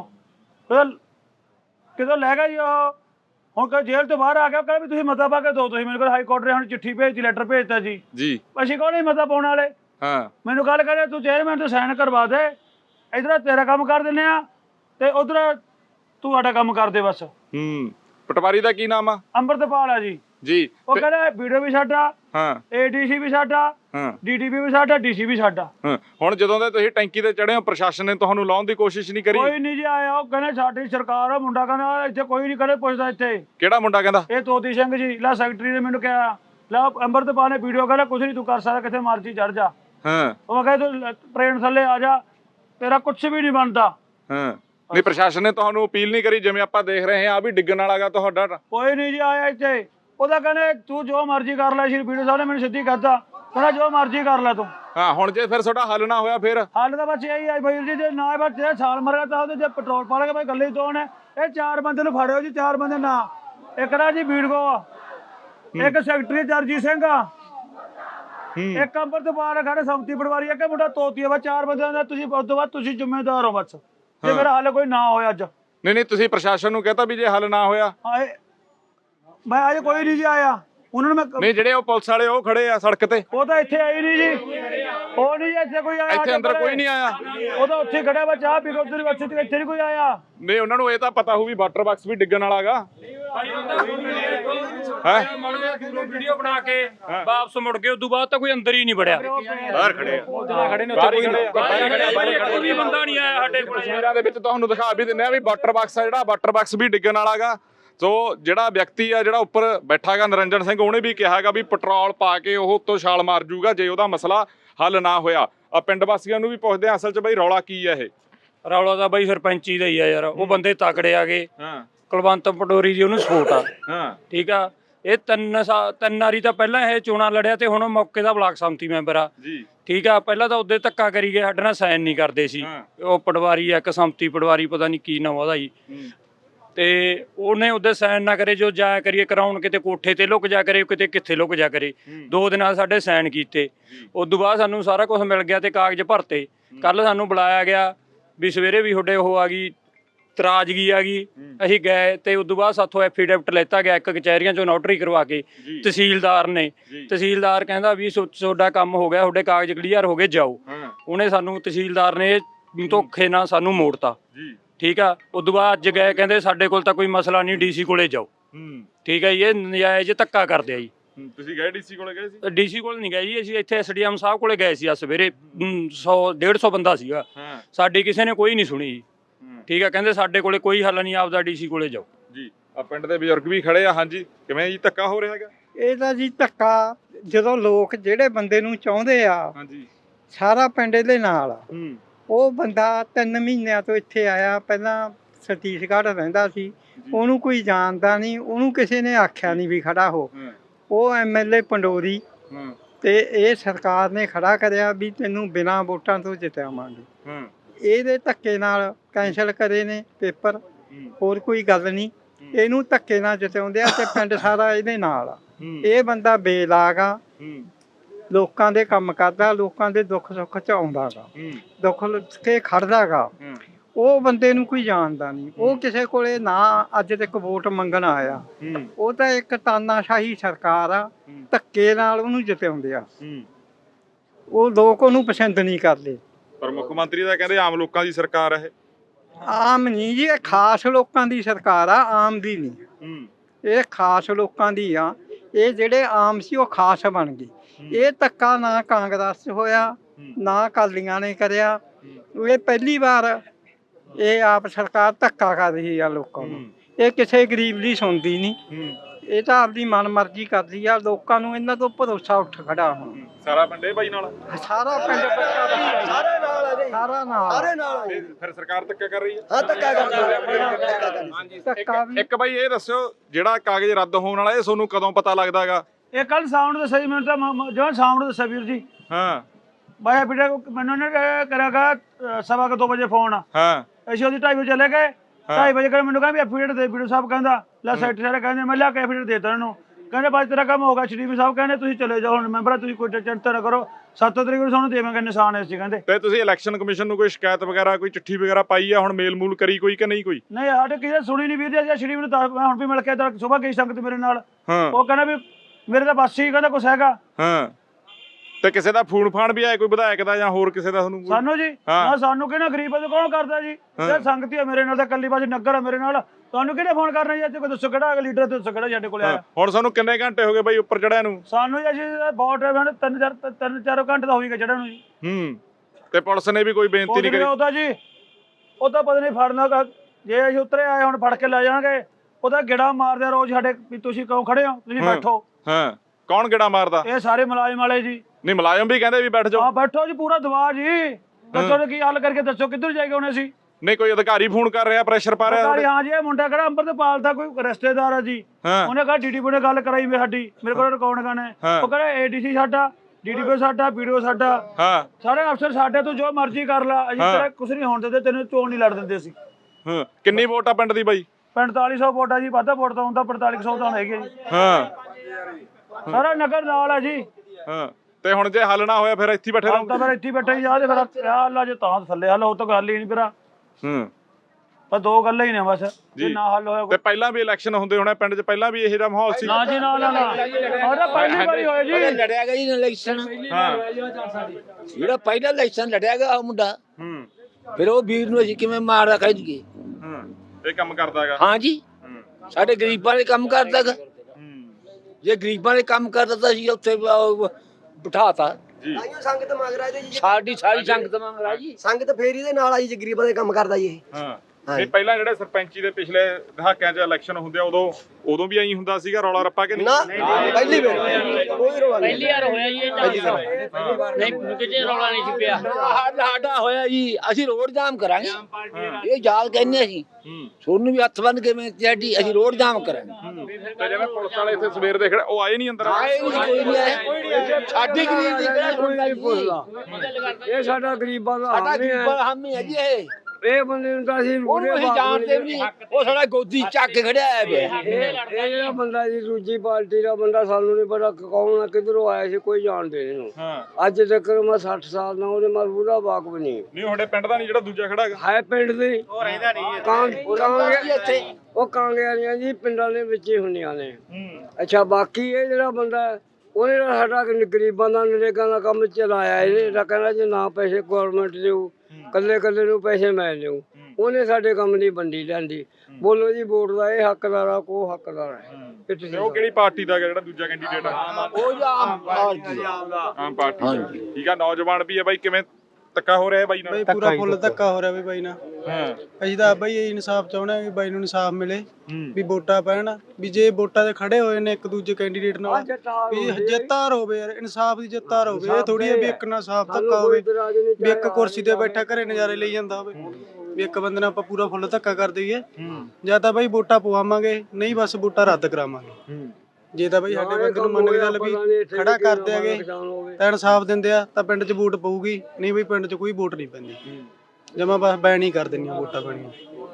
S1: ਕਿਦੋਂ ਲੈ ਗਿਆ ਜੀ ਉਹ। ਹੁਣ ਕਿ ਜੇਲ੍ਹ ਤੋਂ ਬਾਹਰ ਆ ਗਿਆ, ਕਹਿੰਦਾ ਵੀ ਤੁਸੀਂ ਮਤਾ ਪਾ ਕੇ ਦਿਓ। ਤੁਸੀਂ ਮੈਨੂੰ ਕੋਲ ਹਾਈ ਕੋਰਟ ਨੇ ਹੁਣ ਚਿੱਠੀ ਭੇਜਤੀ, ਲੈਟਰ ਭੇਜਤਾ ਜੀ।
S2: ਜੀ।
S1: ਅਸੀਂ ਕੌਣ ਨਹੀਂ ਮਤਾ ਪਾਉਣ ਵਾਲੇ।
S2: ਹਾਂ।
S1: ਮੈਨੂੰ ਗੱਲ ਕਰੇ ਤੂੰ ਚੇਅਰਮੈਨ ਤੋਂ ਸਾਈਨ ਕਰਵਾ ਦੇ, ਇਧਰ ਤੇਰਾ ਕੰਮ ਕਰ ਦਿੰਦੇ ਆ ਤੇ ਉਧਰ ਤੂੰ ਸਾਡਾ ਕੰਮ ਕਰ ਦੇ ਬਸ।
S2: ਹੂੰ। ਪਟਵਾਰੀ ਦਾ ਕੀ ਨਾਮ ਆ?
S1: ਅੰਮ੍ਰਿਤਪਾਲ ਆ ਜੀ।
S2: ਜੀ।
S1: ਉਹ ਕਹਿੰਦਾ ਵੀਡੀਓ ਵੀ ਸਾਡਾ,
S2: ਹਾਂ,
S1: ਏਡੀਸੀ ਵੀ ਸਾਡਾ,
S2: ਹਾਂ,
S1: ਡੀਡੀਪੀ ਵੀ ਸਾਡਾ, ਡੀਸੀ ਵੀ ਸਾਡਾ।
S2: ਹਾਂ। ਹੁਣ ਜਦੋਂ ਦੇ ਤੁਸੀਂ ਟੈਂਕੀ ਤੇ ਚੜ੍ਹੇ ਹੋ, ਪ੍ਰਸ਼ਾਸਨ ਨੇ ਤੁਹਾਨੂੰ ਲਾਉਣ ਦੀ ਕੋਸ਼ਿਸ਼ ਨਹੀਂ ਕਰੀ?
S1: ਕੋਈ ਨਹੀਂ ਜੀ ਆਇਆ, ਉਹ ਕਹਿੰਦੇ ਸਾਡੀ ਸਰਕਾਰ ਆ, ਮੁੰਡਾ ਕਹਿੰਦਾ ਇੱਥੇ ਕੋਈ ਨਹੀਂ ਕਰੇ ਪੁੱਛਦਾ ਇੱਥੇ।
S2: ਕਿਹੜਾ ਮੁੰਡਾ ਕਹਿੰਦਾ?
S1: ਇਹ ਤੋਤੀ ਸਿੰਘ ਜੀ। ਲਾ ਸੈਕਟਰੀ ਨੇ ਮੈਨੂੰ ਕਿਹਾ, ਲਾ ਅੰਮ੍ਰਿਤਪਾਲ ਨੇ ਵੀਡੀਓ ਕਹਿੰਦਾ ਕੁਛ ਨਹੀਂ ਤੂੰ ਕਰ ਸਕਦਾ, ਕਿੱਥੇ ਮਰਜ਼ੀ ਚੜ ਜਾ।
S2: ਹਾਂ।
S1: ਉਹ ਕਹਿੰਦਾ ਤੂੰ ਟ੍ਰੇਨ ਥੱਲੇ ਆ ਜਾ, ਤੇਰਾ ਕੁਛ ਵੀ ਨਹੀਂ ਬਣਦਾ।
S2: ਹਾਂ। ਨਹੀਂ, ਪ੍ਰਸ਼ਾਸਨ ਨੇ ਤੁਹਾਨੂੰ ਅਪੀਲ ਨਹੀਂ ਕਰੀ? ਜਿਵੇਂ ਆਪਾਂ ਦੇਖ ਰਹੇ ਹਾਂ ਆ ਵੀ ਡਿੱਗਣ ਵਾਲਾਗਾ ਤੁਹਾਡਾ।
S1: ਕੋਈ ਨਹੀਂ ਜੀ ਆਇਆ ਇੱਥੇ। ਉਹਦਾ ਕਹਿੰਦੇ ਤੂੰ ਜੋ ਮਰਜ਼ੀ ਕਰ ਲੈ, ਸ਼੍ਰੀ ਵੀਡੀਓ ਸਾਹਿਬ ਨੇ ਮੈਨੂੰ ਸਿੱਧੀ ਕਹਤਾ, ਕਹਿੰਦਾ ਜੋ ਮਰਜ਼ੀ ਕਰ ਲੈ ਤੂੰ।
S2: ਹਾਂ। ਹੁਣ ਜੇ ਫਿਰ ਤੁਹਾਡਾ ਹੱਲ ਨਾ ਹੋਇਆ ਫਿਰ?
S1: ਹੱਲ ਤਾਂ ਬਸ ਇਹੀ ਹੈ ਬਾਈ ਜੀ, ਜੇ ਨਾ ਬਸ ਜੇ ਛਾਲ ਮਾਰੇਗਾ ਤਾਂ ਉਹਦੇ ਜੇ ਪੈਟਰੋਲ ਪਾ ਲੇਗਾ ਭਾਈ ਗੱਲੇ ਹੀ ਦੋਣ ਹੈ। ਇਹ ਚਾਰ ਬੰਦੇ ਨੂੰ ਫੜਿਓ ਜੀ, ਚਾਰ ਬੰਦੇ ਨਾ, ਇੱਕ ਨਾ ਜੀ ਵੀਡਗੋ ਆ, ਇੱਕ ਸੈਕਟਰੀ ਜਰਜੀਤ ਸਿੰਘ ਆ, ਇੱਕ ਅੰਮ੍ਰਿਤਪਾਲ ਖੜੇ ਸੰਮਤੀ ਪਟਵਾਰੀ, ਇੱਕ ਮੁੰਡਾ ਤੋਤੀਆ ਵਾ। ਚਾਰ ਬੰਦਿਆਂ ਦਾ ਤੁਸੀਂ ਉਸ ਤੋਂ ਬਾਅਦ ਤੁਸੀਂ ਜ਼ਿੰਮੇਦਾਰ ਹੋ ਬਸ, ਜੇ ਮੇਰਾ ਹੱਲ ਕੋਈ ਨਾ ਹੋਇਆ ਅੱਜ।
S2: ਨਹੀਂ ਨਹੀਂ ਤੁਸੀਂ ਪ੍ਰਸ਼ਾਸਨ ਨੂੰ ਕਹਤਾ ਵੀ ਜੇ ਹੱਲ ਨਾ ਹੋਇਆ?
S1: ਆਏ ਮੈਂ ਅੱਜ ਕੋਈ ਨਹੀਂ ਜੀ ਆਇਆ, ਉਹਨਾਂ ਨੂੰ ਮੈਂ
S2: ਨਹੀਂ ਜਿਹੜੇ ਉਹ ਪੁਲਿਸ ਵਾਲੇ ਉਹ ਖੜੇ ਆ ਸੜਕ ਤੇ,
S1: ਉਹ ਤਾਂ ਇੱਥੇ ਆਈ ਨਹੀਂ ਜੀ, ਉਹ ਨਹੀਂ ਇੱਥੇ ਕੋਈ ਆਇਆ,
S2: ਇੱਥੇ ਅੰਦਰ ਕੋਈ ਨਹੀਂ ਆਇਆ?
S1: ਉਹ ਤਾਂ ਉੱਥੇ ਖੜਿਆ ਵਾ ਚਾਹ ਪੀ ਕੇ, ਉੱਧਰ ਹੀ ਇੱਥੇ ਇੱਥੇ ਨਹੀਂ ਕੋਈ ਆਇਆ।
S2: ਨਹੀਂ ਉਹਨਾਂ ਨੂੰ ਇਹ ਤਾਂ ਪਤਾ ਹੋਊ ਵੀ ਵਾਟਰ ਬਾਕਸ ਵੀ ਡਿੱਗਣ ਵਾਲਾਗਾ ਹੈ।
S3: ਵੀਡੀਓ ਬਣਾ ਕੇ ਵਾਪਸ ਮੁੜ ਗਏ, ਉਦੋਂ ਬਾਅਦ ਤਾਂ ਕੋਈ ਅੰਦਰ ਹੀ ਨਹੀਂ ਵੜਿਆ।
S2: ਬਾਹਰ ਖੜੇ ਆ,
S3: ਖੜੇ ਨੇ ਉੱਥੇ ਕੋਈ ਬੰਦਾ ਨਹੀਂ ਆਇਆ ਸਾਡੇ ਕੋਲ।
S2: ਤਸਵੀਰਾਂ ਦੇ ਵਿੱਚ ਤੁਹਾਨੂੰ ਦਿਖਾ ਵੀ ਦਿੰਦੇ ਆ ਵੀ ਵਾਟਰ ਬਾਕਸ ਆ ਜਿਹੜਾ, ਵਾਟਰ ਬਾਕਸ ਵੀ ਡਿੱਗਣ ਵਾਲਾਗਾ। ਸੋ ਜਿਹੜਾ ਵਿਅਕਤੀ ਆ ਜਿਹੜਾ ਉੱਪਰ ਬੈਠਾਗਾ ਨਰਿੰਦਰ ਸਿੰਘ, ਉਹਨੇ ਵੀ ਕਿਹਾਗਾ ਵੀ ਪੈਟਰੋਲ ਪਾ ਕੇ ਉਹ ਉੱਤੋਂ ਛਾਲ ਮਾਰ ਜੂਗਾ ਜੇ ਉਹਦਾ ਮਸਲਾ ਹੱਲ ਨਾ ਹੋਇਆ। ਆ ਪਿੰਡ ਵਾਸੀਆਂ ਨੂੰ ਵੀ ਪੁੱਛਦੇ ਆ ਅਸਲ 'ਚ ਬਈ ਰੌਲਾ ਕੀ ਆ ਇਹ?
S3: ਰੌਲਾ ਤਾਂ ਬਈ ਸਰਪੰਚੀ ਦਾ ਹੀ ਆ ਯਾਰ, ਉਹ ਬੰਦੇ ਤਕੜੇ ਆ ਗਏ।
S2: ਹਾਂ
S3: ਕੁਲਵੰਤ ਪਟੋਰੀ ਜੀ ਉਹਨੂੰ ਸਪੋਰਟ ਆ।
S2: ਹਾਂ
S3: ਠੀਕ ਆ, ਇਹ ਤਿੰਨ ਸਾ- ਤਿੰਨ ਵਾਰੀ ਤਾਂ ਪਹਿਲਾਂ ਇਹ ਚੋਣਾਂ ਲੜਿਆ ਤੇ ਹੁਣ ਮੌਕੇ ਦਾ ਬਲਾਕ ਸੰਮਤੀ ਮੈਂਬਰ ਆ
S2: ਜੀ।
S3: ਠੀਕ ਆ, ਪਹਿਲਾਂ ਤਾਂ ਉਹਦੇ ਧੱਕਾ ਕਰੀ ਗਏ, ਸਾਡੇ ਨਾਲ ਸਾਈਨ ਨਹੀਂ ਕਰਦੇ ਸੀ। ਉਹ ਪਟਵਾਰੀ ਆ, ਇੱਕ ਸੰਮਤੀ ਪਟਵਾਰੀ, ਪਤਾ ਨਹੀਂ ਕੀ ਨਾਮ ਉਹਦਾ ਜੀ, ਤੇ ਉਹਨੇ ਉਹਦੇ ਸਾਈਨ ਨਾ ਕਰੇ, ਜੋ ਜਾਇਆ ਕਰੀਏ ਕਰਾਉਣ, ਕਿਤੇ ਕੋਠੇ ਤੇ ਲੁਕ ਜਾ ਕਰੇ, ਕਿਤੇ ਕਿੱਥੇ ਲੁਕ ਜਾ ਕਰੇ। ਦੋ ਦਿਨਾਂ ਸਾਡੇ ਸਾਈਨ ਕੀਤੇ, ਉਸ ਤੋਂ ਬਾਅਦ ਸਾਨੂੰ ਸਾਰਾ ਕੁਝ ਮਿਲ ਗਿਆ ਤੇ ਕਾਗਜ਼ ਭਰਤੇ। ਕੱਲ ਸਾਨੂੰ ਬੁਲਾਇਆ ਗਿਆ ਵੀ ਸਵੇਰੇ ਵੀ ਤੁਹਾਡੇ ਉਹ ਆ ਗਈ, ਤਰਾਜ਼ਗੀ ਆ ਗਈ। ਅਸੀਂ ਗਏ ਤੇ ਉਸ ਤੋਂ ਬਾਅਦ ਸਾਥੋਂ ਐਫੀਡੈਵਿਟ ਲੈਤਾ ਗਿਆ ਇੱਕ ਕਚਹਿਰੀਆਂ ਚੋਂ ਨੋਟਰੀ ਕਰਵਾ ਕੇ। ਤਹਿਸੀਲਦਾਰ ਨੇ, ਤਹਿਸੀਲਦਾਰ ਕਹਿੰਦਾ ਵੀ ਤੁਹਾਡਾ ਕੰਮ ਹੋ ਗਿਆ, ਤੁਹਾਡੇ ਕਾਗਜ਼ ਕਲੀਅਰ ਹੋ ਗਏ, ਜਾਓ। ਉਹਨੇ ਸਾਨੂੰ, ਤਹਿਸੀਲਦਾਰ ਨੇ ਧੋਖੇ ਨਾਲ ਸਾਨੂੰ ਮੋੜਤਾ। ਠੀਕ ਆ, ਉਸ ਤੋਂ ਬਾਅਦ ਅੱਜ ਗਏ, ਕਹਿੰਦੇ ਸਾਡੇ ਕੋਲ ਤਾਂ ਕੋਈ ਮਸਲਾ ਨਹੀਂ, ਡੀਸੀ ਕੋਲੇ ਜਾਓ। ਠੀਕ ਹੈ, ਇਹ ਨਜਾਇਜ਼ ਧੱਕਾ ਕਰਦੇ ਆ ਜੀ।
S2: ਤੁਸੀਂ ਗਏ ਡੀਸੀ ਕੋਲੇ? ਗਏ ਸੀ?
S3: ਡੀਸੀ ਕੋਲ ਨਹੀਂ ਗਏ ਜੀ, ਅਸੀਂ ਇੱਥੇ ਐਸਡੀਐਮ ਸਾਹਿਬ ਕੋਲੇ ਗਏ ਸੀ ਆ ਸਵੇਰੇ। ਸੌ ਡੇਢ ਸੌ ਬੰਦਾ ਸੀਗਾ, ਸਾਡੀ ਕਿਸੇ ਨੇ ਕੋਈ ਨਹੀਂ ਸੁਣੀ ਜੀ। ਠੀਕ ਆ, ਕਹਿੰਦੇ ਸਾਡੇ ਕੋਲੇ ਕੋਈ ਹੱਲ ਨਹੀਂ, ਆਪਦਾ ਡੀਸੀ ਕੋਲੇ ਜਾਓ
S2: ਜੀ। ਆ ਪਿੰਡ ਦੇ ਬਜ਼ੁਰਗ ਵੀ ਖੜੇ ਆ। ਹਾਂਜੀ, ਕਿਵੇਂ ਜੀ ਧੱਕਾ ਹੋ ਰਿਹਾ ਹੈਗਾ?
S4: ਇਹ ਤਾਂ ਜੀ ਧੱਕਾ, ਜਦੋਂ ਲੋਕ ਜਿਹੜੇ ਬੰਦੇ ਨੂੰ ਚਾਹੁੰਦੇ ਆ,
S2: ਹਾਂਜੀ,
S4: ਸਾਰਾ ਪਿੰਡ ਇਹਦੇ ਨਾਲ ਆ।
S2: ਹੂੰ
S4: ਉਹ ਬੰਦਾ ਤਿੰਨ ਮਹੀਨਿਆਂ ਤੋਂ ਇੱਥੇ ਆਇਆ, ਪਹਿਲਾਂ ਸਤੀਸ਼ਗੜ੍ਹ ਰਹਿੰਦਾ ਸੀ, ਉਹਨੂੰ ਕੋਈ ਜਾਣਦਾ ਨਹੀਂ, ਉਹਨੂੰ ਕਿਸੇ ਨੇ ਆਖਿਆ ਨਹੀਂ ਵੀ ਖੜਾ ਹੋ। ਉਹ ਐਮਐਲਏ ਪੰਡੋਰੀ ਤੇ ਇਹ ਸਰਕਾਰ ਨੇ ਖੜਾ ਕਰਿਆ ਵੀ ਤੈਨੂੰ ਬਿਨਾਂ ਵੋਟਾਂ ਤੋਂ ਜਿਤਾਵਾਂਗੇ। ਇਹਦੇ ਧੱਕੇ ਨਾਲ ਕੈਂਸਲ ਕਰੇ ਨੇ ਪੇਪਰ, ਹੋਰ ਕੋਈ ਗੱਲ ਨਹੀਂ। ਇਹਨੂੰ ਧੱਕੇ ਨਾਲ ਜਿਤਾਉਂਦੇ ਆ ਤੇ ਪਿੰਡ ਸਾਰਾ ਇਹਦੇ ਨਾਲ ਆ। ਇਹ ਬੰਦਾ ਬੇਲਾਗ ਆ, ਲੋਕਾਂ ਦੇ ਕੰਮ ਕਰਦਾ, ਲੋਕਾਂ ਦੇ ਦੁੱਖ ਸੁੱਖ ਚ ਆਉਂਦਾ ਗਾ, ਦੁੱਖ ਕੇ ਖੜਦਾ ਗਾ। ਉਹ ਬੰਦੇ ਨੂੰ ਕੋਈ ਜਾਣਦਾ ਨਹੀਂ, ਉਹ ਕਿਸੇ ਕੋਲੇ ਨਾ ਅੱਜ ਤੱਕ ਵੋਟ ਮੰਗਣ ਆਇਆ। ਉਹ ਤਾਂ ਇੱਕ ਤਾਨਾਸ਼ਾਹੀ ਸਰਕਾਰ ਆ, ਧੱਕੇ ਨਾਲ ਉਹਨੂੰ ਜਿਤਾਉਂਦੇ ਆ। ਉਹ ਲੋਕ ਉਹਨੂੰ ਪਸੰਦ ਨਹੀਂ ਕਰਦੇ।
S2: ਪਰ ਮੁੱਖ ਮੰਤਰੀ ਦਾ ਕਹਿੰਦੇ ਆਮ ਲੋਕਾਂ ਦੀ ਸਰਕਾਰ ਹੈ ਇਹ।
S4: ਆਮ ਨਹੀਂ ਜੀ, ਇਹ ਖਾਸ ਲੋਕਾਂ ਦੀ ਸਰਕਾਰ ਆ, ਆਮ ਦੀ ਨਹੀਂ। ਇਹ ਖਾਸ ਲੋਕਾਂ ਦੀ ਆ। ਇਹ ਜਿਹੜੇ ਆਮ ਸੀ ਉਹ ਖਾਸ ਬਣ ਗਏ। ਇਹ ਧੱਕਾ ਨਾ ਕਾਂਗਰਸ 'ਚ ਹੋਇਆ, ਨਾ ਅਕਾਲੀਆਂ ਨੇ ਕਰਿਆ। ਇਹ ਪਹਿਲੀ ਵਾਰ ਇਹ ਆਪ ਸਰਕਾਰ ਧੱਕਾ ਕਰ ਰਹੀ ਆ ਲੋਕਾਂ ਨੂੰ। ਇਹ ਕਿਸੇ ਗਰੀਬ ਦੀ ਸੁਣਦੀ ਨਹੀਂ, ਇਹ ਤਾਂ ਆਪਦੀ ਮਨਮਰਜ਼ੀ ਕਰਦੀ ਆ। ਲੋਕਾਂ ਨੂੰ ਇਹਨਾਂ ਤੋਂ ਭਰੋਸਾ ਉੱਠ ਖੜਾ ਹੁਣ।
S2: ਸਾਰਾ ਪਿੰਡ ਇਹ ਬਾਈ ਨਾਲ,
S4: ਸਾਰਾ ਪਿੰਡ ਸਾਰੇ ਨਾਲ ਆ ਜੀ, ਸਾਰਾ ਨਾਲ ਸਾਰੇ ਨਾਲ।
S2: ਫਿਰ ਸਰਕਾਰ ਧੱਕਾ ਕਰ ਰਹੀ ਹੈ।
S4: ਹਾਂ, ਧੱਕਾ ਕਰਦੀ। ਧੱਕਾ ਵੀ
S2: ਇੱਕ ਬਾਈ ਇਹ ਦੱਸਿਓ, ਜਿਹੜਾ ਕਾਗਜ਼ ਰੱਦ ਹੋਣ ਵਾਲਾ ਇਹ ਤੁਹਾਨੂੰ ਕਦੋਂ ਪਤਾ ਲੱਗਦਾਗਾ?
S1: ਇਹ ਕੱਲ ਸ਼ਾਮ ਨੂੰ ਦੱਸਿਆ ਜੀ ਮੈਨੂੰ, ਤਾਂ ਜਦੋਂ ਸ਼ਾਮ ਨੂੰ ਦੱਸਿਆ ਵੀਰ ਜੀ।
S2: ਹਾਂ
S1: ਬਾਈ ਬੇਟਾ ਮੈਨੂੰ ਉਹਨੇ ਕਰਿਆਗਾ ਸਵਾ ਕੁ ਦੋ ਵਜੇ ਫੋਨ।
S2: ਹਾਂ
S1: ਅਸੀਂ ਉਹਦੀ ਢਾਈ ਵਜੇ ਚਲੇ ਗਏ। ਢਾਈ ਵਜੇ ਕਰ ਮੈਨੂੰ ਕਹਿੰਦਾ ਵੀ ਐਫੀਡੇਵਿਟ ਦੇ। ਵੀਡੀਓ ਸਾਹਿਬ ਕਹਿੰਦਾ ਲੈ ਸੈਕਟਰੀ ਸਾਰੇ ਕਹਿੰਦੇ ਮੈਂ ਲਿਆ ਕੇ ਐਫੀਡੇਵਿਟ ਦੇ ਦਿੱਤਾ ਇਹਨੂੰ। ਕਹਿੰਦੇ ਬਾਅਦ ਤੇਰਾ ਕੰਮ ਹੋ ਗਿਆ। ਸ਼ਰੀਫ ਸਾਹਿਬ ਕਹਿੰਦੇ ਤੁਸੀਂ ਚਲੇ ਜਾਓ ਹੁਣ, ਮੈਂਬਰ ਤੁਸੀਂ ਕੋਈ ਚਿੰਤਾ ਨਾ ਕਰੋ, ਸੱਤ ਤਰੀਕ ਨੂੰ ਸਾਨੂੰ ਦੇਵਾਂਗੇ ਨਿਸ਼ਾਨ ਇਸ 'ਚ। ਕਹਿੰਦੇ
S2: ਤੇ ਤੁਸੀਂ ਇਲੈਕਸ਼ਨ ਕਮਿਸ਼ਨ ਨੂੰ ਕੋਈ ਸ਼ਿਕਾਇਤ ਵਗੈਰਾ, ਕੋਈ ਚਿੱਠੀ ਵਗੈਰਾ ਪਾਈ ਆ? ਹੁਣ ਮੇਲ ਮੂਲ ਕਰੀ ਕੋਈ ਕਿ ਨਹੀਂ ਕੋਈ?
S1: ਨਹੀਂ, ਸਾਡੇ ਕਿਸੇ ਸੁਣੀ ਨਹੀਂ ਵੀਰ ਜੀ। ਅਸੀਂ ਸ਼ਰੀਫ ਨੂੰ ਦੱਸ, ਮੈਂ ਹੁਣ ਵੀ ਮਿਲ ਕੇ ਸੁਬਾਹ ਗਈ ਸੰਗਤ ਮੇਰੇ ਨਾਲ।
S2: ਹਾਂ,
S1: ਉਹ ਕਹਿੰਦਾ ਵੀ ਮੇਰੇ ਤਾਂ ਬਸ ਹੀ ਕਹਿੰਦਾ ਕੁਛ ਹੈਗਾ।
S2: ਹਾਂ, ਤੇ ਕਿਸੇ ਦਾ ਫੋਨ ਫਾਨ ਵੀ ਆਇਆ ਕੋਈ ਵਿਧਾਇਕ ਦਾ ਜਾਂ ਹੋਰ ਕਿਸੇ ਦਾ ਤੁਹਾਨੂੰ?
S1: ਸਾਨੂੰ ਜੀ ਨਾ, ਸਾਨੂੰ ਕਿਹਨਾਂ ਗਰੀਬ ਬੰਦੇ ਕੌਣ ਕਰਦਾ ਜੀ? ਇਹ ਸੰਗਤੀ ਆ ਮੇਰੇ ਨਾਲ, ਤਾਂ ਕੱਲੀ ਬਾਜੀ ਨਗਰ ਆ ਮੇਰੇ ਨਾਲ। ਤੁਹਾਨੂੰ ਕਿਹਨੇ ਫੋਨ ਕਰਨਾ ਜੀ? ਅੱਜ ਕੋਈ ਦੱਸੋ ਕਿਹੜਾ ਲੀਡਰ, ਦੱਸੋ ਕਿਹੜਾ ਸਾਡੇ ਕੋਲ ਆਇਆ।
S2: ਹੁਣ ਸਾਨੂੰ ਕਿੰਨੇ ਘੰਟੇ ਹੋ ਗਏ ਬਾਈ ਉੱਪਰ ਚੜਿਆ ਨੂੰ?
S1: ਸਾਨੂੰ ਜੀ ਅਸੀਂ ਬਹੁਤ ਤਿੰਨ ਚਾਰ ਤਿੰਨ ਚਾਰ ਘੰਟੇ ਦਾ ਹੋ ਗਿਆ ਚੜਨ ਨੂੰ ਜੀ।
S2: ਹੂੰ, ਤੇ ਪੁਲਿਸ ਨੇ ਵੀ ਕੋਈ ਬੇਨਤੀ ਨਹੀਂ ਕਰੀ?
S1: ਉਹਦਾ ਜੀ ਉਹਦਾ ਪਤਾ ਨਹੀਂ ਫੜਨਾ, ਜੇ ਅਸੀਂ ਉਤਰੇ ਆਏ ਹੁਣ ਫੜ ਕੇ ਲੈ ਜਾਣਗੇ। ਉਹਦਾ ਗੇੜਾ ਮਾਰਦੇ ਰੋਜ਼ ਸਾਡੇ ਵੀ ਤੁਸੀਂ ਕਿਉਂ ਖੜੇ ਹੋ, ਤੁਸੀਂ ਬੈਠੋ।
S2: ਹਾਂ, ਕੌਣ ਗੇੜਾ ਮਾਰਦਾ?
S1: ਇਹ ਸਾਰੇ ਮੁਲਾਜ਼ਮ ਵਾਲੇ ਜੀ।
S2: ਨਹੀਂ, ਮੁਲਾਜ਼ਮ ਵੀ ਕਹਿੰਦੇ ਵੀ ਬੈਠ ਜਾਓ।
S1: ਹਾਂ ਬੈਠੋ ਜੀ, ਪੂਰਾ ਦਬਾਅ ਜੀ। ਦੱਸੋ ਕੀ ਹੱਲ ਕਰਕੇ ਦੱਸੋ, ਕਿੱਧਰ ਜਾਏਗਾ ਹੁਣ ਅਸੀਂ?
S2: ਨਹੀਂ, ਕੋਈ ਅਧਿਕਾਰੀ ਫੋਨ ਕਰ ਰਿਹਾ, ਪ੍ਰੈਸ਼ਰ ਪਾ ਰਿਹਾ?
S1: ਹਾਂ ਜੀ, ਇਹ ਮੁੰਡਾ ਕਿਹੜਾ ਅੰਮ੍ਰਿਤਪਾਲ ਦਾ ਕੋਈ ਰਿਸ਼ਤੇਦਾਰ ਆ ਜੀ। ਉਹਨੇ ਕਹਾ ਡੀਡੀਪੀ ਨੇ ਗੱਲ ਕਰਾਈ ਵੀ ਸਾਡੀ, ਮੇਰੇ ਕੋਲ ਰਿਕਾਰਡ ਗਾਣੇ। ਉਹ ਕਹਿੰਦਾ ਏਡੀਸੀ ਸਾਡਾ, ਡੀਡੀਪੀ ਸਾਡਾ, ਵੀਡੀਓ ਸਾਡਾ,
S2: ਹਾਂ,
S1: ਸਾਰੇ ਅਫਸਰ ਸਾਡੇ ਤੋਂ ਜੋ ਮਰਜ਼ੀ ਕਰ ਲਾ, ਅਸੀਂ ਤੇਰਾ ਕੁਝ ਨਹੀਂ ਹੋਣ ਦਿੰਦੇ, ਤੈਨੂੰ ਚੋਣ ਨਹੀਂ ਲੜ ਦਿੰਦੇ ਸੀ।
S2: ਹਾਂ ਕਿੰਨੀ ਵੋਟ ਆ ਪਿੰਡ ਦੀ ਬਾਈ?
S1: ਪੈਂਤਾਲੀ ਸੌ ਵੋਟ ਆ ਜੀ, ਵਾਧਾ ਵੋਟ ਤਾਂ ਹੁੰਦਾ ਪੈਂਤਾਲੀ ਸੌ ਤਾਂ ਹੈਗੇ ਜੀ।
S2: ਹਾਂ
S1: ਸਾਰਾ ਨਗਰ ਨਾਲ ਆ ਜੀ।
S2: ਹਾਂ ਤੇ ਹੁਣ ਜੇ ਹੱਲ ਨਾ ਹੋਇਆ ਫਿਰ ਇੱਥੇ ਬੈਠੇ ਰਹੋ?
S1: ਤਾਂ ਫਿਰ ਇੱਥੇ ਬੈਠੇ ਹੀ ਜਾ ਤੇ ਫਿਰ ਆ ਅੱਲਾ ਜੇ ਤਾਂ ਥੱਲੇ ਹੱਲ ਹੋ ਤਾਂ ਗੱਲ ਹੀ ਨਹੀਂ ਫਿਰ।
S2: ਹੂੰ
S1: ਪਰ ਦੋ ਗੱਲਾਂ ਹੀ ਨੇ ਬਸ, ਜੇ ਨਾ ਹੱਲ ਹੋਇਆ।
S2: ਤੇ ਪਹਿਲਾਂ ਵੀ ਇਲੈਕਸ਼ਨ ਹੁੰਦੇ ਹੋਣੇ ਪਿੰਡ 'ਚ, ਪਹਿਲਾਂ ਵੀ ਇਹੋ ਜਿਹਾ ਮਾਹੌਲ ਸੀ?
S1: ਨਾ ਜੀ ਨਾ ਨਾ ਨਾ ਉਹਦਾ ਪਹਿਲੀ ਵਾਰੀ ਹੋਇਆ ਜੀ।
S6: ਲੜਿਆ ਗਿਆ ਜੀ ਇਲੈਕਸ਼ਨ,
S2: ਹਾਂ
S6: ਜਿਹੜਾ ਪਹਿਲਾ ਇਲੈਕਸ਼ਨ ਲੜਿਆ ਗਿਆ ਉਹ ਮੁੰਡਾ,
S2: ਹੂੰ
S6: ਫਿਰ ਉਹ ਵੀਰ ਨੂੰ ਅਸੀਂ ਕਿਵੇਂ ਮਾਰਦਾ ਕਹਿ ਦਈਏ।
S2: ਹੂੰ ਇਹ ਕੰਮ ਕਰਦਾ ਹੈਗਾ?
S6: ਹਾਂ ਜੀ,
S2: ਹੂੰ
S6: ਸਾਡੇ ਗਰੀਬਾਂ ਦੇ ਕੰਮ ਕਰਦਾ ਗਾ।
S2: ਹੂੰ
S6: ਜੇ ਗਰੀਬਾਂ ਦੇ ਕੰਮ ਕਰਦਾ ਤਾਂ ਅਸੀਂ ਉੱਥੇ ਉਹ ਬਿਠਾਤਾ।
S2: ਜੀ
S7: ਸੰਗਤ ਮੰਗ ਰਿਹਾ ਜੀ,
S6: ਸਾਡੀ ਸਾਰੀ ਸੰਗਤ ਮੰਗ ਰਹੀ ਜੀ।
S7: ਸੰਗਤ ਫੇਰ ਇਹਦੇ ਨਾਲ ਆਈ ਜੀ, ਗਰੀਬਾਂ ਦੇ ਕੰਮ ਕਰਦਾ ਜੀ ਇਹ।
S2: ਹਾਂ ਨਹੀਂ ਪਹਿਲਾਂ ਜਿਹੜੇ ਸਰਪੰਚੀ ਦੇ ਪਿਛਲੇ ਦਹਾਕਿਆਂ 'ਚ ਇਲੈਕਸ਼ਨ ਹੁੰਦੇ ਆ ਉਦੋਂ ਉਦੋਂ ਵੀ ਐਂ ਹੁੰਦਾ ਸੀਗਾ ਰੌਲਾ ਰੱਪਾ ਕਿ ਨਹੀਂ?
S7: ਨਾ ਪਹਿਲੀ ਵਾਰ ਕੋਈ ਰੋਲਾ ਨਹੀਂ।
S8: ਪਹਿਲੀ ਵਾਰ ਹੋਇਆ ਜੀ ਇਹ ਤਾਂ ਨਹੀਂ ਕਿਤੇ ਰੌਲਾ ਨਹੀਂ ਸੀ ਪਿਆ।
S6: ਸਾਡਾ ਹੋਇਆ ਜੀ, ਅਸੀਂ ਰੋਡ ਜਾਮ ਕਰਾਂਗੇ ਇਹ ਯਾਦ ਕਹਿੰਦੇ ਅਸੀਂ।
S2: ਹੂੰ
S6: ਸੋਨੂੰ ਵੀ ਹੱਥ ਬੰਨ ਕੇ ਮੈਂ ਚੈਡੀ ਅਸੀਂ ਰੋਡ ਜਾਮ ਕਰਾਂਗੇ।
S2: ਤੇ ਜਿਵੇਂ ਪੁਲਿਸ ਵਾਲੇ ਇੱਥੇ ਸਵੇਰ ਦੇ ਖੜੇ ਉਹ ਆਏ ਨਹੀਂ ਅੰਦਰ?
S6: ਆਏ ਨਹੀਂ, ਕੋਈ ਨਹੀਂ ਆਇਆ। ਸਾਡੀ ਗਰੀਬ ਦੀ ਕਿਹੜਾ ਕੋਈ ਨਹੀਂ ਪੁੱਛਦਾ।
S4: ਇਹ ਸਾਡਾ ਗਰੀਬਾਂ ਦਾ
S6: ਸਾਡਾ ਗਰੀਬਾਂ ਦਾ ਹਾਮੀ ਹੈ ਜੀ ਇਹ।
S4: ਇਹ ਬੰਦੇ ਨੂੰ ਤਾਂ ਅਸੀਂ
S6: ਉਹਨੂੰ ਅਸੀਂ ਜਾਣਦੇ ਵੀ ਨਹੀਂ, ਉਹ ਸਾਡਾ ਗੋਦੀ ਚੱਕ ਕੇ ਖੜਿਆ ਹੈ ਵੇ।
S4: ਇਹ ਜਿਹੜਾ ਬੰਦਾ ਜੀ ਦੂਜੀ ਪਾਰਟੀ ਦਾ ਬੰਦਾ, ਸਾਨੂੰ ਨਹੀਂ ਪਤਾ ਕੌਣ ਆ ਕਿੱਧਰੋਂ ਆਇਆ ਸੀ, ਕੋਈ ਜਾਣਦੇ ਨਹੀਂ ਉਹਨੂੰ।
S2: ਹਾਂ
S4: ਅੱਜ ਤੱਕ ਮੈਂ ਸੱਠ ਸਾਲ ਦਾ, ਉਹਦੇ ਮਰ ਪੂਰਾ ਵਾਕਫ ਨਹੀਂ
S2: ਨਹੀਂ ਤੁਹਾਡੇ ਪਿੰਡ ਦਾ ਨਹੀਂ ਜਿਹੜਾ ਦੂਜਾ ਖੜਾ ਹੈਗਾ?
S4: ਹੈ। ਪਿੰਡ ਦੇ ਉਹ ਰਹਿੰਦਾ ਨਹੀਂ ਕਾਂਗੇ ਉਹ ਕਾਂਗੇ ਵਾਲੀਆਂ ਜੀ ਪਿੰਡਾਂ ਦੇ ਵਿੱਚ ਹੀ ਹੁੰਦੀਆਂ ਨੇ।
S2: ਹੂੰ
S4: ਅੱਛਾ ਬਾਕੀ ਇਹ ਜਿਹੜਾ ਬੰਦਾ, ਉਹਨੇ ਤਾਂ ਸਾਡਾ ਗਰੀਬਾਂ ਦਾ ਨਰੇਗਾ ਦਾ ਕੰਮ ਚਲਾਇਆ। ਇਹਨੇ ਤਾਂ ਕਹਿੰਦਾ ਜੇ ਨਾ ਪੈਸੇ ਗਵਰਨਮੈਂਟ ਦਿਓ, ਕੱਲੇ ਕੱਲੇ ਨੂੰ ਪੈਸੇ ਮੈਂ ਦਿਓ। ਉਹਨੇ ਸਾਡੇ ਕੰਮ ਦੀ ਵੰਡੀ ਲੈਂਦੀ। ਬੋਲੋ ਜੀ ਵੋਟ ਦਾ ਇਹ ਹੱਕਦਾਰ ਆ, ਕੋ ਹੱਕਦਾਰ ਹੈ।
S2: ਤੇ ਉਹ ਕਿਹੜੀ ਪਾਰਟੀ ਦਾ ਹੈਗਾ ਜਿਹੜਾ ਦੂਜਾ ਕੈਂਡੀਡੇਟ ਆ?
S6: ਉਹ ਜੀ ਆਮ ਪਾਰਟੀ ਆ।
S2: ਆਮ ਪਾਰਟੀ। ਠੀਕ ਆ, ਨੌਜਵਾਨ ਵੀ ਹੈ ਬਾਈ, ਕਿਵੇਂ ਧੱਕਾ ਹੋ ਰਿਹਾ ਬਾਈ ਨਾਲ?
S9: ਬਈ ਪੂਰਾ ਫੁੱਲ ਧੱਕਾ ਹੋ ਰਿਹਾ ਵੀ ਬਾਈ ਨਾਲ।
S2: ਹਾਂ
S9: ਅਸੀਂ ਤਾਂ ਬਈ ਇਹ ਇਨਸਾਫ ਚਾਹੁੰਦੇ ਆ ਵੀ ਬਾਈ ਨੂੰ ਇਨਸਾਫ ਮਿਲੇ, ਵੀ ਵੋਟਾਂ ਪੈਣ, ਵੀ ਜੇ ਵੋਟਾਂ ਤੇ ਖੜੇ ਹੋਏ ਨੇ ਇੱਕ ਦੂਜੇ ਕੈਂਡੀਡੇਟ ਨਾਲ ਵੀ ਜਿੱਤਾਰ ਹੋਵੇ ਯਾਰ, ਇਨਸਾਫ ਦੀ ਜਿੱਤਾਰ ਹੋਵੇ। ਇਹ ਥੋੜੀ ਹੈ ਵੀ ਇੱਕ ਨਾਲ ਸਾਫ ਧੱਕਾ ਹੋਵੇ, ਵੀ ਇੱਕ ਕੁਰਸੀ ਤੇ ਬੈਠਾ ਘਰੇ ਨਜ਼ਾਰੇ ਲਈ ਜਾਂਦਾ ਹੋਵੇ, ਵੀ ਇੱਕ ਬੰਦੇ ਨਾਲ ਆਪਾਂ ਪੂਰਾ ਫੁੱਲ ਧੱਕਾ ਕਰ ਦਈਏ। ਜਾਂ ਤਾਂ ਬਾਈ ਵੋਟਾਂ ਪਵਾਵਾਂਗੇ, ਨਹੀਂ ਬਸ ਵੋਟਾਂ ਰੱਦ ਕਰਾਵਾਂਗੇ। ਜੇ ਤਾਂ ਬਾਈ ਸਾਡੇ ਬੰਦੇ ਨੂੰ ਮੰਨ ਕੇ ਚੱਲ ਵੀ ਖੜਾ ਕਰ ਦਿਆਂਗੇ ਤਾਂ ਇਨਸਾਫ ਦਿੰਦੇ ਆ ਤਾਂ ਪਿੰਡ 'ਚ ਵੋਟ ਪਊਗੀ, ਨਹੀਂ ਬਈ ਪਿੰਡ 'ਚ ਕੋਈ ਵੋਟ ਨਹੀਂ ਪੈਂਦੀ। ਜਮਾ ਬਸ ਬੈਨ ਹੀ ਕਰ ਦੇਣੀਆਂ ਵੋਟਾਂ ਪੈਣੀਆਂ।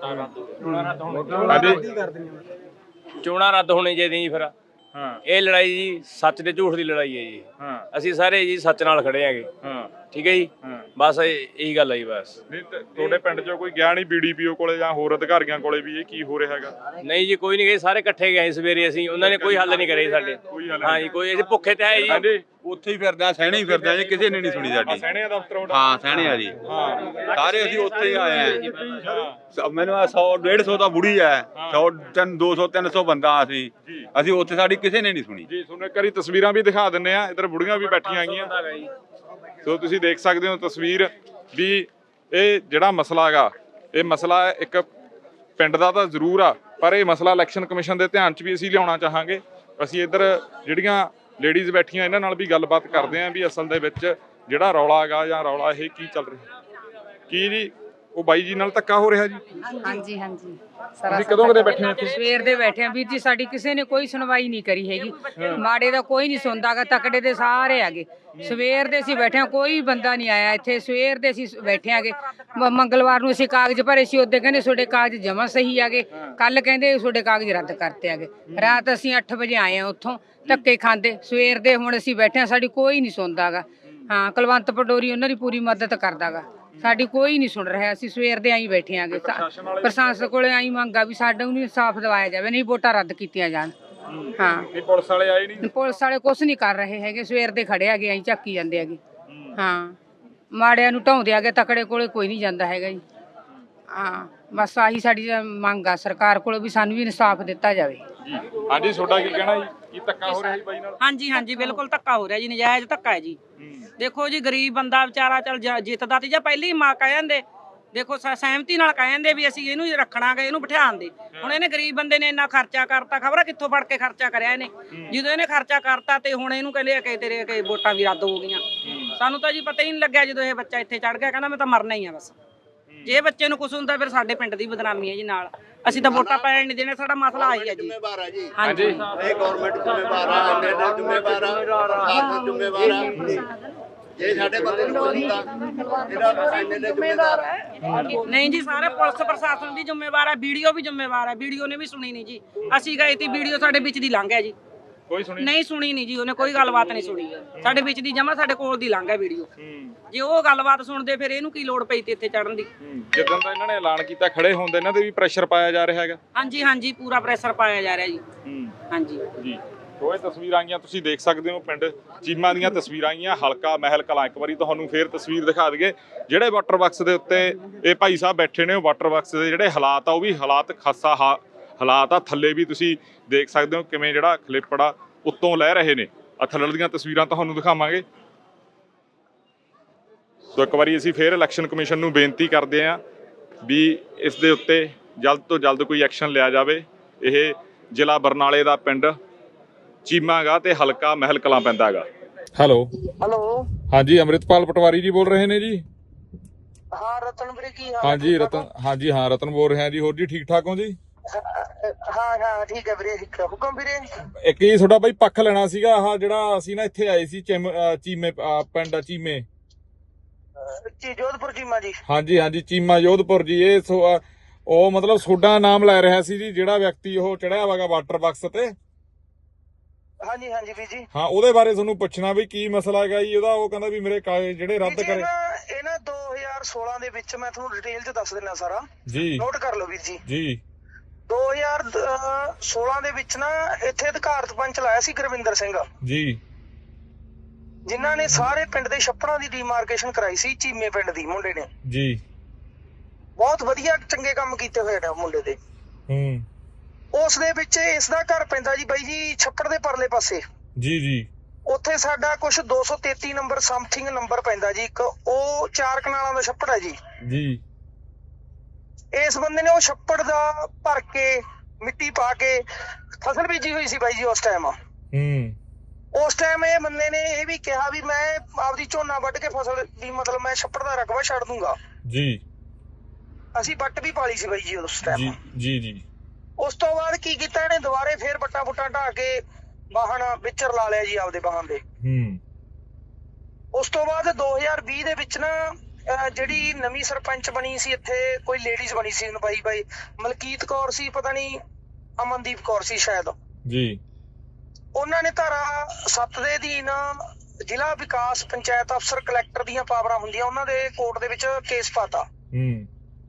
S8: ਚੋਣਾਂ ਰੱਦ ਹੋਣੀ ਚਾਹੀਦੀਆਂ ਜੀ ਫਿਰ।
S2: ਹਾਂ
S8: ਇਹ ਲੜਾਈ ਜੀ ਸੱਚ ਤੇ ਝੂਠ ਦੀ ਲੜਾਈ ਹੈ ਜੀ।
S2: ਹਾਂ
S8: ਅਸੀਂ ਸਾਰੇ ਜੀ ਸੱਚ ਨਾਲ ਖੜੇ ਆਂਗੇ।
S2: ਹਾਂ
S8: ਠੀਕ ਹੈ ਜੀ,
S2: ਹਾਂ
S8: ਬਸ ਇਹ- ਇਹੀ ਗੱਲ ਹੈ ਜੀ ਬਸ।
S2: ਨਹੀਂ ਤੇ ਤੁਹਾਡੇ ਪਿੰਡ 'ਚੋਂ ਕੋਈ ਗਿਆ ਨਹੀਂ ਬੀਡੀਪੀਓ ਕੋਲੇ ਜਾਂ ਹੋਰ ਅਧਿਕਾਰੀਆਂ ਕੋਲੇ ਵੀ ਇਹ ਕੀ ਹੋ ਰਿਹਾ ਹੈਗਾ?
S8: ਨਹੀਂ ਜੀ ਕੋਈ ਨਹੀਂ ਗਏ, ਸਾਰੇ ਇਕੱਠੇ ਗਏ ਸਵੇਰੇ ਅਸੀਂ, ਉਹਨਾਂ ਨੇ ਕੋਈ ਹੱਲ ਨਹੀਂ ਕਰੇ ਸਾਡੇ। ਹਾਂ ਜੀ ਕੋਈ, ਅਸੀਂ ਭੁੱਖੇ ਤੇ ਹੈ ਜੀ।
S2: ਹਾਂਜੀ
S10: ਉੱਥੇ ਹੀ ਫਿਰਦੇ ਆ, ਸਹਿਣੇ ਹੀ ਫਿਰਦੇ ਆ ਜੀ, ਕਿਸੇ ਨੇ ਨਹੀਂ ਸੁਣੀ ਸਾਡੀ।
S2: ਸੈਣੇ ਦਾ ਦਫ਼ਤਰ ਉਹਦਾ?
S10: ਹਾਂ ਸਹਿਣੇ ਆ ਜੀ,
S2: ਹਾਂ
S10: ਸਾਰੇ ਅਸੀਂ ਉੱਥੇ ਹੀ ਆਏ ਆ। ਮੈਨੂੰ ਆ ਸੌ ਡੇਢ ਸੌ ਦਾ ਬੁੜੀ ਐ, ਸੌ ਤਿੰਨ ਦੋ ਸੌ ਤਿੰਨ ਸੌ ਬੰਦਾ ਅਸੀਂ ਅਸੀਂ ਉੱਥੇ, ਸਾਡੀ ਕਿਸੇ ਨੇ ਨਹੀਂ ਸੁਣੀ
S2: ਜੀ। ਤੁਹਾਨੂੰ ਇੱਕ ਵਾਰੀ ਤਸਵੀਰਾਂ ਵੀ ਦਿਖਾ ਦਿੰਨੇ ਆ, ਇੱਧਰ ਬੁੜੀਆਂ ਵੀ ਬੈਠੀਆਂ ਹੈਗੀਆਂ। ਸੋ ਤੁਸੀਂ ਦੇਖ ਸਕਦੇ ਹੋ ਤਸਵੀਰ ਵੀ ਇਹ ਜਿਹੜਾ ਮਸਲਾ ਹੈਗਾ, ਇਹ ਮਸਲਾ ਇੱਕ ਪਿੰਡ ਦਾ ਤਾਂ ਜ਼ਰੂਰ ਆ, ਪਰ ਇਹ ਮਸਲਾ ਇਲੈਕਸ਼ਨ ਕਮਿਸ਼ਨ ਦੇ ਧਿਆਨ 'ਚ ਵੀ ਅਸੀਂ ਲਿਆਉਣਾ ਚਾਹਾਂਗੇ। ਅਸੀਂ ਇੱਧਰ ਜਿਹੜੀਆਂ ਲੇਡੀਜ਼ ਬੈਠੀਆਂ ਇਹਨਾਂ ਨਾਲ ਵੀ ਗੱਲਬਾਤ ਕਰਦੇ ਆਂ ਵੀ ਅਸਲ ਦੇ ਵਿੱਚ ਜਿਹੜਾ ਰੌਲਾ ਹੈਗਾ ਜਾਂ ਰੌਲਾ ਇਹ ਕੀ ਚੱਲ ਰਿਹਾ, ਕੀ ਜੀ ਉਹ ਬਾਈ ਜੀ ਨਾਲ ਧੱਕਾ ਹੋ ਰਿਹਾ ਜੀ?
S5: ਹਾਂਜੀ ਹਾਂਜੀ
S2: ਤੁਸੀਂ ਕਦੋਂ ਕਦੇ ਬੈਠੇ ਹੋ ਇੱਥੇ?
S5: ਸਵੇਰ ਦੇ ਬੈਠੇ ਆ ਵੀਰ ਜੀ, ਸਾਡੀ ਕਿਸੇ ਨੇ ਕੋਈ ਸੁਣਵਾਈ ਨਹੀਂ ਕਰੀ ਹੈਗੀ। ਮਾੜੇ ਦਾ ਕੋਈ ਨਹੀਂ ਸੁਣਦਾਗਾ, ਤਕੜੇ ਦੇ ਸਾਰੇ ਆਗੇ। ਸਵੇਰ ਦੇ ਅਸੀਂ ਬੈਠੇ ਆ, ਕੋਈ ਬੰਦਾ ਨਹੀਂ ਆਇਆ ਇੱਥੇ। ਸਵੇਰ ਦੇ ਅਸੀਂ ਬੈਠੇ ਆਗੇ। ਮੰਗਲਵਾਰ ਨੂੰ ਅਸੀਂ ਕਾਗਜ਼ ਭਰੇ ਸੀ, ਉਹਦੇ ਕਹਿੰਦੇ ਤੁਹਾਡੇ ਕਾਗਜ਼ ਜਮਾ ਸਹੀ ਆਗੇ। ਕੱਲ ਕਹਿੰਦੇ ਤੁਹਾਡੇ ਕਾਗਜ਼ ਰੱਦ ਕਰਤੇ ਆਗੇ। ਰਾਤ ਅਸੀਂ ਅੱਠ ਵਜੇ ਆਏ ਆ ਉੱਥੋਂ ਧੱਕੇ ਖਾਂਦੇ। ਸਵੇਰ ਦੇ ਹੁਣ ਅਸੀਂ ਬੈਠੇ ਆ, ਸਾਡੀ ਕੋਈ ਨਹੀਂ ਸੁਣਦਾਗਾ। ਹਾਂ ਕੁਲਵੰਤ ਪਟੋਰੀ ਉਹਨਾਂ ਦੀ ਪੂਰੀ ਮਦਦ ਕਰਦਾਗਾ, ਸਾਡੀ ਕੋਈ ਨਹੀਂ ਸੁਣ ਰਿਹਾ। ਅਸੀਂ ਸਵੇਰ ਦੇ ਆਈ ਬੈਠੇ ਆਂਗੇ। ਪ੍ਰਸ਼ਾਸਨ ਕੋਲੇ ਆਈ ਮੰਗਾ ਵੀ ਸਾਡਾ ਨੂੰ ਇਨਸਾਫ ਦਿਵਾਇਆ ਜਾਵੇ, ਨਹੀਂ ਵੋਟਾਂ ਰੱਦ ਕੀਤੀਆਂ ਜਾਣ। ਹਾਂ
S2: ਨਹੀਂ ਪੁਲਿਸ ਵਾਲੇ ਆਏ ਨਹੀਂ?
S5: ਪੁਲਿਸ ਵਾਲੇ ਕੁਛ ਨਹੀਂ ਕਰ ਰਹੇ ਹੈਗੇ, ਸਵੇਰ ਦੇ ਖੜੇ ਆਗੇ, ਆਈ ਝਾਕੀ ਜਾਂਦੇ ਹੈਗੇ। ਹਾਂ ਮਾੜਿਆਂ ਨੂੰ ਢਾਉਂਦੇ ਆਗੇ, ਤਕੜੇ ਕੋਲੇ ਕੋਈ ਨਹੀਂ ਜਾਂਦਾ ਹੈਗਾ ਜੀ। ਹਾਂ ਬਸ ਆਹੀ ਸਾਡੀ ਮੰਗ ਆ ਸਰਕਾਰ ਕੋਲੋਂ ਵੀ ਸਾਨੂੰ ਵੀ ਇਨਸਾਫ ਦਿੱਤਾ ਜਾਵੇ।
S2: ਹਾਂਜੀ ਤੁਹਾਡਾ ਕੀ ਕਹਿਣਾ ਜੀ, ਕੀ ਧੱਕਾ ਹੋ ਰਿਹਾ ਜੀ ਬਾਈ ਨਾਲ?
S11: ਹਾਂਜੀ ਹਾਂਜੀ ਬਿਲਕੁਲ ਧੱਕਾ ਹੋ ਰਿਹਾ ਜੀ, ਨਜਾਇਜ਼ ਧੱਕਾ ਹੈ ਜੀ। ਦੇਖੋ ਜੀ ਗਰੀਬ ਬੰਦਾ ਵਿਚਾਰਾ ਚੱਲ ਜਿੱਤਦਾ ਤੇ ਜਾਂ ਪਹਿਲੀ ਮਾਂ ਕਹਿ ਜਾਂਦੇ, ਦੇਖੋ ਸਹਿਮਤੀ ਨਾਲ ਕਹਿ ਜਾਂਦੇ ਵੀ ਅਸੀਂ ਇਹਨੂੰ ਰੱਖਣਾਗੇ, ਇਹਨੂੰ ਬਿਠਾਣ ਦੇ। ਹੁਣ ਇਹਨੇ ਗਰੀਬ ਬੰਦੇ ਨੇ ਇੰਨਾ ਖਰਚਾ ਕਰਤਾ, ਖਬਰ ਕਿੱਥੋਂ ਫੜ ਕੇ ਖਰਚਾ ਕਰਿਆ ਇਹਨੇ। ਜਦੋਂ ਇਹਨੇ ਖਰਚਾ ਕਰਤਾ ਤੇ ਹੁਣ ਇਹਨੂੰ ਕਹਿੰਦੇ ਆ ਕਿ ਤੇਰੇ ਕਿ ਵੋਟਾਂ ਵੀ ਰੱਦ ਹੋ ਗਈਆਂ। ਸਾਨੂੰ ਤਾਂ ਜੀ ਪਤਾ ਹੀ ਨਹੀਂ ਲੱਗਿਆ ਜਦੋਂ ਇਹ ਬੱਚਾ ਇੱਥੇ ਚੜ ਗਿਆ, ਕਹਿੰਦਾ ਮੈਂ ਤਾਂ ਮਰਨਾ ਹੀ ਆ ਬਸ। ਜੇ ਬੱਚੇ ਨੂੰ ਕੁਝ ਹੁੰਦਾ ਫਿਰ ਸਾਡੇ ਪਿੰਡ ਦੀ ਬਦਨਾਮੀ ਹੈ ਜੀ ਨਾਲ। ਅਸੀਂ ਤਾਂ ਵੋਟਾਂ ਪੈਣ ਨਹੀਂ ਦੇਣੇ, ਸਾਡਾ ਮਸਲਾ ਆਹੀ ਹੈ ਜੀ। ਹਾਂਜੀ
S6: ਇਹ ਗਵਰਨਮੈਂਟ ਜ਼ਿੰਮੇਵਾਰ ਆ, ਜ਼ਿੰਮੇਵਾਰ ਆ, ਜ਼ਿੰਮੇਵਾਰ ਆ।
S10: ਜੇ ਸਾਡੇ ਬੰਦੇ ਨੂੰ ਕੋਈ ਹੁੰਦਾ ਇਹਦਾ ਐਮਐਲਏ ਜ਼ਿੰਮੇਦਾਰ ਹੈ।
S11: ਨਹੀਂ ਜੀ, ਸਾਰੇ ਪੁਲਿਸ ਪ੍ਰਸ਼ਾਸਨ ਦੀ ਜ਼ਿੰਮੇਵਾਰ ਹੈ, ਵੀਡੀਓ ਵੀ ਜ਼ਿੰਮੇਵਾਰ ਹੈ। ਵੀਡੀਓ ਨੇ ਵੀ ਸੁਣੀ ਨਹੀਂ ਜੀ, ਅਸੀਂ ਗਏ ਤੀ, ਵੀਡੀਓ ਸਾਡੇ ਵਿੱਚ ਦੀ ਲੰਘ ਗਿਆ ਜੀ,
S2: ਕੋਈ ਸੁਣੀ
S11: ਨਹੀਂ ਸੁਣੀ ਨਹੀਂ ਜੀ, ਉਹਨੇ ਕੋਈ ਗੱਲਬਾਤ ਨਹੀਂ ਸੁਣੀ, ਸਾਡੇ ਵਿੱਚ ਦੀ ਜਮਾ ਸਾਡੇ ਕੋਲ ਦੀ ਲੰਘ ਗਿਆ ਵੀਡੀਓ। ਜੇ ਉਹ ਗੱਲਬਾਤ ਸੁਣਦੇ ਫਿਰ ਇਹਨੂੰ ਕੀ ਲੋੜ ਪਈ ਤੇ ਇੱਥੇ ਚੜਨ ਦੀ।
S2: ਜਿੱਦਾਂ ਦਾ ਇਹਨਾਂ ਨੇ ਐਲਾਨ ਕੀਤਾ ਖੜੇ ਹੋਣ ਦੇ ਇਹਨਾਂ ਤੇ ਵੀ ਪ੍ਰੈਸ਼ਰ ਪਾਇਆ ਜਾ ਰਿਹਾ ਹੈਗਾ।
S11: ਹਾਂਜੀ ਹਾਂਜੀ, ਪੂਰਾ ਪ੍ਰੈਸ਼ਰ ਪਾਇਆ ਜਾ ਰਿਹਾ ਜੀ। ਹਾਂਜੀ
S2: ਜੀ, ਉਹ ਇਹ ਤਸਵੀਰਾਂ ਆਈਆਂ ਤੁਸੀਂ ਦੇਖ ਸਕਦੇ ਹੋ, ਪਿੰਡ ਚੀਮਾ ਦੀਆਂ ਤਸਵੀਰਾਂ ਆਈਆਂ, ਹਲਕਾ ਮਹਿਲ ਕਲਾਂ। ਇੱਕ ਵਾਰੀ ਤੁਹਾਨੂੰ ਫੇਰ ਤਸਵੀਰ ਦਿਖਾ ਦਈਏ, ਜਿਹੜੇ ਵਾਟਰ ਬਾਕਸ ਦੇ ਉੱਤੇ ਇਹ ਭਾਈ ਸਾਹਿਬ ਬੈਠੇ ਨੇ, ਉਹ ਵਾਟਰ ਬਾਕਸ ਦੇ ਜਿਹੜੇ ਹਾਲਾਤ ਆ ਉਹ ਵੀ ਹਾਲਾਤ ਖਾਸਾ ਹਾਲਾਤ ਆ। ਥੱਲੇ ਵੀ ਤੁਸੀਂ ਦੇਖ ਸਕਦੇ ਹੋ ਕਿਵੇਂ ਜਿਹੜਾ ਖਲੇਪੜਾ ਉੱਤੋਂ ਲੈ ਰਹੇ ਨੇ। ਆ ਥੱਲੜ ਦੀਆਂ ਤਸਵੀਰਾਂ ਤੁਹਾਨੂੰ ਦਿਖਾਵਾਂਗੇ। ਸੋ ਇੱਕ ਵਾਰੀ ਅਸੀਂ ਫੇਰ ਇਲੈਕਸ਼ਨ ਕਮਿਸ਼ਨ ਨੂੰ ਬੇਨਤੀ ਕਰਦੇ ਹਾਂ ਵੀ ਇਸ ਦੇ ਉੱਤੇ ਜਲਦ ਤੋਂ ਜਲਦ ਕੋਈ ਐਕਸ਼ਨ ਲਿਆ ਜਾਵੇ। ਇਹ ਜ਼ਿਲ੍ਹਾ ਬਰਨਾਲੇ ਦਾ ਪਿੰਡ ਚੀਮਾ ਗਾ ਤੇ ਹਲਕਾ ਮਹਿਲ ਕਲਾਂ ਪੈਂਦਾ ਹੈਗਾ। ਹੈਲੋ
S12: ਹੈਲੋ,
S2: ਹਾਂਜੀ, ਅੰਮ੍ਰਿਤਪਾਲ ਪਟਵਾਰੀ ਜੀ ਬੋਲ ਰਹੇ ਨੇ ਜੀ?
S12: ਹਾਂ ਰਤਨ ਵੀਰੇ, ਕੀ ਹਾਲ?
S2: ਹਾਂਜੀ ਰਤਨ, ਹਾਂਜੀ ਹਾਂ ਰਤਨ ਬੋਲ ਰਿਹਾ ਜੀ। ਹੋਰ ਜੀ ਠੀਕ ਠਾਕ ਹੋ ਜੀ?
S12: ਹਾਂ ਹਾਂ ਠੀਕ ਹੈ ਵੀਰੇ, ਠੀਕ ਹੈ। ਹੁਕਮ ਵੀਰੇ।
S2: ਇੱਕ ਹੀ ਤੁਹਾਡਾ ਬਾਈ ਪੱਖ ਲੈਣਾ ਸੀਗਾ। ਆਹ ਜਿਹੜਾ ਅਸੀਂ ਨਾ ਇੱਥੇ ਆਏ ਸੀ ਚਿਮ ਚੀਮੇ ਪਿੰਡ ਚੀਮੇ,
S12: ਜੀ ਜੋਧਪੁਰ ਚੀਮਾ ਜੀ।
S2: ਹਾਂਜੀ ਹਾਂਜੀ, ਚੀਮਾ ਜੋਧਪੁਰ ਜੀ। ਇਹ ਉਹ ਮਤਲਬ ਤੁਹਾਡਾ ਨਾਮ ਲੈ ਰਿਹਾ ਸੀ ਜੀ, ਜਿਹੜਾ ਵਿਅਕਤੀ ਉਹ ਚੜਿਆ ਵਾਗਾ ਵਾਟਰ ਬਾਕਸ ਤੇ।
S12: ਹਾਂਜੀ ਹਾਂਜੀ ਵੀਰ ਜੀ।
S2: ਹਾਂ, ਉਹਦੇ ਬਾਰੇ ਤੁਹਾਨੂੰ ਪੁੱਛਣਾ ਵੀ ਕੀ ਮਸਲਾ ਹੈਗਾ ਜੀ ਉਹਦਾ। ਉਹ ਕਹਿੰਦਾ ਵੀ ਮੇਰੇ ਕਾਗਜ਼ ਜਿਹੜੇ ਰੱਦ ਕਰੇ।
S12: ਇਹ ਨਾ ਦੋ ਹਜ਼ਾਰ ਸੋਲਾਂ ਦੇ ਵਿੱਚ, ਮੈਂ ਤੁਹਾਨੂੰ ਡਿਟੇਲ ਚ ਦੱਸ ਦਿੰਦਾ ਸਾਰਾ
S2: ਜੀ,
S12: ਨੋਟ ਕਰ ਲਓ ਵੀਰ ਜੀ।
S2: ਜੀ
S12: ਦੋ ਹਜ਼ਾਰ ਸੋਲਾਂ ਦੇ ਵਿੱਚ ਨਾ ਇੱਥੇ ਅਧਿਕਾਰਤ ਪੰਚ ਲਾਇਆ ਸੀ ਗੁਰਵਿੰਦਰ ਸਿੰਘ
S2: ਜੀ,
S12: ਜਿਨ੍ਹਾਂ ਨੇ ਸਾਰੇ ਪਿੰਡ ਦੇ ਛੱਪੜਾਂ ਦੀ ਡੀਮਾਰਕੇਸ਼ਨ ਕਰਾਈ ਸੀ। ਚੀਮੇ ਪਿੰਡ ਦੀ ਮੁੰਡੇ ਨੇ
S2: ਜੀ,
S12: ਬਹੁਤ ਵਧੀਆ ਚੰਗੇ ਕੰਮ ਕੀਤੇ ਹੋਏ ਨੇ ਮੁੰਡੇ ਦੇ।
S2: ਹੂੰ,
S12: ਉਸ ਦੇ ਵਿੱਚ ਇਸ ਦਾ ਘਰ ਪੈਂਦਾ ਜੀ ਬਾਈ ਜੀ ਛੱਪੜ ਦੇ ਪਰਲੇ ਪਾਸੇ।
S2: ਜੀ ਜੀ,
S12: ਉੱਥੇ ਸਾਡਾ ਕੁਛ ਦੋ ਸੌ ਤੇਤੀ ਨੰਬਰ ਸਮਥਿੰਗ ਨੰਬਰ ਪੈਂਦਾ ਜੀ ਇੱਕ, ਉਹ ਚਾਰ ਕਨਾਲਾਂ ਦਾ ਛੱਪੜ ਹੈ ਜੀ।
S2: ਜੀ,
S12: ਇਸ ਬੰਦੇ ਨੇ ਉਹ ਛੱਪੜ ਦਾ ਭਰ ਕੇ ਮਿੱਟੀ ਪਾ ਕੇ ਫਸਲ ਬੀਜੀ ਹੋਈ ਸੀ ਬਾਈ ਜੀ ਉਸ ਟਾਈਮ।
S2: ਹੂੰ,
S12: ਉਸ ਟਾਈਮ ਇਹ ਬੰਦੇ ਨੇ ਇਹ ਵੀ ਕਿਹਾ ਵੀ ਮੈਂ ਆਪਦੀ ਝੋਨਾ ਵੱਢ ਕੇ ਫਸਲ ਦੀ ਮਤਲਬ ਮੈਂ ਛੱਪੜ ਦਾ ਰਕਬਾ ਛੱਡ ਦੂੰਗਾ
S2: ਜੀ।
S12: ਅਸੀਂ ਵੱਟ ਵੀ ਪਾਲੀ ਸੀ ਬਾਈ ਜੀ ਉਸ ਟਾਈਮ।
S2: ਜੀ ਜੀ।
S12: ਉਸ ਤੋਂ ਬਾਅਦ ਕੀ ਕੀਤਾ ਇਹਨੇ, ਦੁਬਾਰੇ ਫੇਰ ਬੱਟਾ ਬੁੱਟਾ ਢਾ ਕੇ ਵਾਹਣ ਵਿਚਰ ਲਾ ਲਿਆ ਜੀ ਆਪਦੇ ਵਾਹਣ ਦੇ।
S2: ਹੂੰ,
S12: ਉਸ ਤੋਂ ਬਾਅਦ ਦੋ ਹਜ਼ਾਰ ਵੀਹ ਦੇ ਵਿੱਚ ਨਾ ਜਿਹੜੀ ਨਵੀਂ ਸਰਪੰਚ ਬਣੀ ਸੀ ਇੱਥੇ, ਕੋਈ ਲੇਡੀਜ਼ ਬਣੀ ਸੀ ਬਾਈ ਬਾਈ ਮਲਕੀਤ ਕੌਰ ਸੀ, ਪਤਾ ਨਹੀਂ ਅਮਨਦੀਪ ਕੌਰ ਸੀ ਸ਼ਾਇਦ
S2: ਜੀ।
S12: ਉਹਨਾਂ ਨੇ ਧਾਰਾ ਸੱਤ ਦੇ ਅਧੀਨ ਜ਼ਿਲ੍ਹਾ ਵਿਕਾਸ ਪੰਚਾਇਤ ਅਫਸਰ ਕਲੈਕਟਰ ਦੀਆਂ ਪਾਵਰਾਂ ਹੁੰਦੀਆਂ, ਉਹਨਾਂ ਦੇ ਕੋਰਟ ਦੇ ਵਿੱਚ ਕੇਸ ਪਾਤਾ।
S2: ਹੂੰ,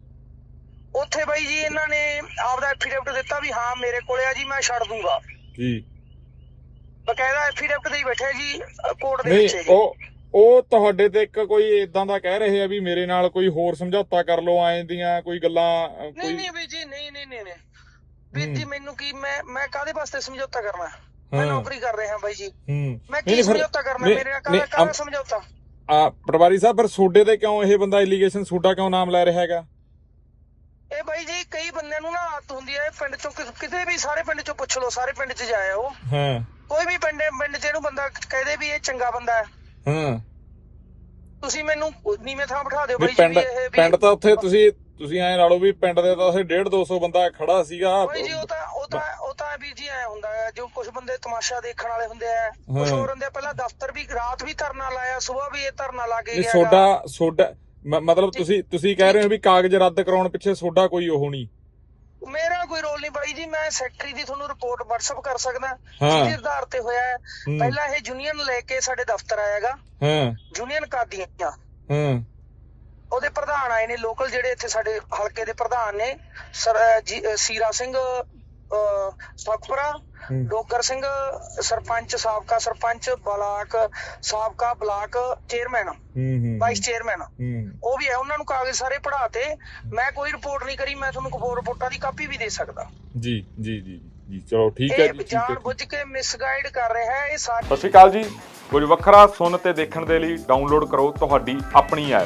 S12: ਉੱਥੇ ਬਾਈ ਜੀ ਇਹਨਾਂ ਨੇ ਆਪਦਾ ਐਫੀਡੇਵਿਟ ਦਿੱਤਾ ਵੀ ਹਾਂ ਮੇਰੇ ਕੋਲੇ ਆ ਜੀ, ਮੈਂ ਛੱਡ ਦੂੰਗਾ
S2: ਜੀ।
S12: ਬਕਾਇਦਾ ਐਫੀਡੇਵਿਟ ਦੇ ਹੀ ਬੈਠੇ ਜੀ ਕੋਰਟ ਦੇ
S2: ਨਹੀਂ,
S12: ਵਿੱਚ।
S2: ਉਹ ਉਹ ਤੁਹਾਡੇ ਤੇ ਇੱਕ ਕੋਈ ਇਦਾਂ ਦਾ ਕਹਿ ਰਹੇ ਆ ਵੀ ਮੇਰੇ ਨਾਲ ਕੋਈ ਹੋਰ ਸਮਝੌਤਾ ਕਰ ਲਓ, ਐਂ ਦੀਆਂ ਕੋਈ ਗੱਲਾਂ।
S12: ਨਹੀਂ ਨਹੀਂ ਵੀਰ ਜੀ, ਨਹੀਂ ਨਹੀਂ ਨਹੀਂ ਵੀਰ ਜੀ, ਮੈਨੂੰ ਕੀ, ਮੈਂ ਮੈਂ ਕਾਹਦੇ ਵਾਸਤੇ ਸਮਝੌਤਾ ਕਰਨਾ? ਮੈਂ ਨੌਕਰੀ ਕਰ ਰਿਹਾ ਬਾਈ ਜੀ, ਮੈਂ ਕੀ ਸਮਝੌਤਾ ਕਰਨਾ? ਮੇਰੇ ਨਾਲ ਕਾਹਦਾ ਕਾਹਦਾ ਸਮਝੌਤਾ?
S2: ਆ ਪਟਵਾਰੀ ਸਾਹਿਬ, ਫਿਰ ਸੋਡੇ ਤੇ ਕਿਉਂ ਇਹ ਬੰਦਾ ਐਲੀਗੇਸ਼ਨ ਸੋਡਾ ਕਿਉਂ ਨਾਮ ਲੈ ਰਿਹਾ ਹੈਗਾ?
S12: ਇਹ ਬਾਈ ਜੀ ਕਈ ਬੰਦਿਆਂ ਨੂੰ ਨਾ ਆਦਤ ਹੁੰਦੀ ਹੈ ਪਿੰਡ ਚੋਂ, ਕਿਤੇ ਵੀ ਸਾਰੇ ਪਿੰਡ ਚੋਂ ਪੁੱਛ ਲਓ, ਸਾਰੇ ਪਿੰਡ ਚ ਜਾਇਆ ਉਹ,
S2: ਹਾਂ,
S12: ਕੋਈ ਵੀ ਪਿੰਡ ਪਿੰਡ ਚ ਇਹਨੂੰ ਬੰਦਾ ਕਹਦੇ ਵੀ ਇਹ ਚੰਗਾ ਬੰਦਾ ਹੈ,
S2: ਹਾਂ,
S12: ਤੁਸੀਂ ਮੈਨੂੰ ਨੀਵੇਂ ਥਾਂ ਬਿਠਾ ਦਿਓ ਬਾਈ ਜੀ।
S2: ਪਿੰਡ ਪਿੰਡ ਤਾਂ ਉੱਥੇ ਤੁਸੀਂ ਤੁਸੀਂ ਐਂ ਲਾ ਲਓ ਵੀ ਪਿੰਡ ਦੇ ਤਾਂ ਉੱਥੇ ਡੇਢ ਦੋ ਸੌ ਬੰਦਾ ਖੜਾ ਸੀਗਾ।
S12: ਬਾਈ ਜੀ ਉਹ ਤਾਂ ਉਹ ਤਾਂ ਉਹ ਤਾਂ ਵੀਰ ਜੀ ਐ ਹੁੰਦਾ ਹੈ, ਜੋ ਕੁਝ ਬੰਦੇ ਤਮਾਸ਼ਾ ਦੇਖਣ ਵਾਲੇ ਹੁੰਦੇ ਆ, ਕੁਝ ਹੋਰ ਹੁੰਦੇ ਆ। ਪਹਿਲਾਂ ਦਫ਼ਤਰ ਵੀ ਰਾਤ ਵੀ ਧਰਨਾ ਲਾਇਆ, ਸਵੇਰ ਵੀ ਇਹ ਧਰਨਾ ਲਾ ਕੇ ਗਿਆ।
S2: ਸੋਡਾ ਸੋਡਾ ਮਤਲਬ ਤੁਸੀਂ ਤੁਸੀਂ ਕਹਿ ਰਹੇ ਹੋ ਵੀ ਕਾਗਜ਼ ਰੱਦ ਕਰਾਉਣ ਪਿੱਛੇ ਸੋਡਾ ਕੋਈ ਉਹ ਨਹੀਂ?
S12: ਮੇਰਾ ਕੋਈ ਰੋਲ ਨਹੀਂ ਬਾਈ ਜੀ, ਮੈਂ ਸੈਕਟਰੀ ਦੀ ਤੁਹਾਨੂੰ ਰਿਪੋਰਟ WhatsApp ਕਰ ਸਕਦਾ ਜਿਹਦੇ ਆਧਾਰ ਤੇ ਹੋਇਆ ਹੈ। ਪਹਿਲਾਂ ਇਹ ਯੂਨੀਅਨ ਲੈ ਕੇ ਸਾਡੇ ਦਫ਼ਤਰ ਆਇਆਗਾ,
S2: ਹਾਂ, ਯੂਨੀਅਨ
S12: ਕਾਦੀਆਂ,
S2: ਹਾਂ,
S12: ਉਹਦੇ ਪ੍ਰਧਾਨ ਆਏ ਨੇ ਲੋਕਲ, ਜਿਹੜੇ ਇੱਥੇ ਸਾਡੇ ਹਲਕੇ ਦੇ ਪ੍ਰਧਾਨ ਨੇ ਸਰ ਸੀਰਾ ਸਿੰਘ ਸੁਖਪੁਰਾ, ਡੋਗਰ ਸਿੰਘ ਸਰਪੰਚ, ਸਾਬਕਾ ਸਰਪੰਚ, ਬਲਾਕ ਸਾਬਕਾ ਬਲਾਕ ਚੇਅਰਮੈਨ, ਵਾਈਸ ਚੇਅਰਮੈਨ, ਉਹ ਵੀ ਹੈ। ਉਹਨਾਂ ਨੂੰ ਕਾਗਜ਼ ਸਾਰੇ ਪੜ੍ਹਾਤੇ। ਮੈਂ ਕੋਈ ਰਿਪੋਰਟ ਨਹੀਂ ਕਰੀ, ਮੈਂ ਤੁਹਾਨੂੰ ਰਿਪੋਰਟਾਂ ਦੀ ਕਾਪੀ ਵੀ ਦੇ ਸਕਦਾ
S2: ਜੀ ਜੀ ਜੀ ਜੀ। ਚਲੋ ਠੀਕ ਹੈ ਜੀ,
S12: ਜਾਣ ਬੁੱਝ ਕੇ ਮਿਸਗਾਈਡ ਕਰ ਰਿਹਾ ਹੈ ਇਹ ਸਾਰੇ।
S2: ਸਤਿ ਸ਼੍ਰੀ ਅਕਾਲ ਜੀ। ਕੁਝ ਵੱਖਰਾ ਸੁਣ ਤੇ ਦੇਖਣ ਦੇ ਲਈ ਡਾਊਨਲੋਡ ਕਰੋ ਤੁਹਾਡੀ ਆਪਣੀ ਐਪ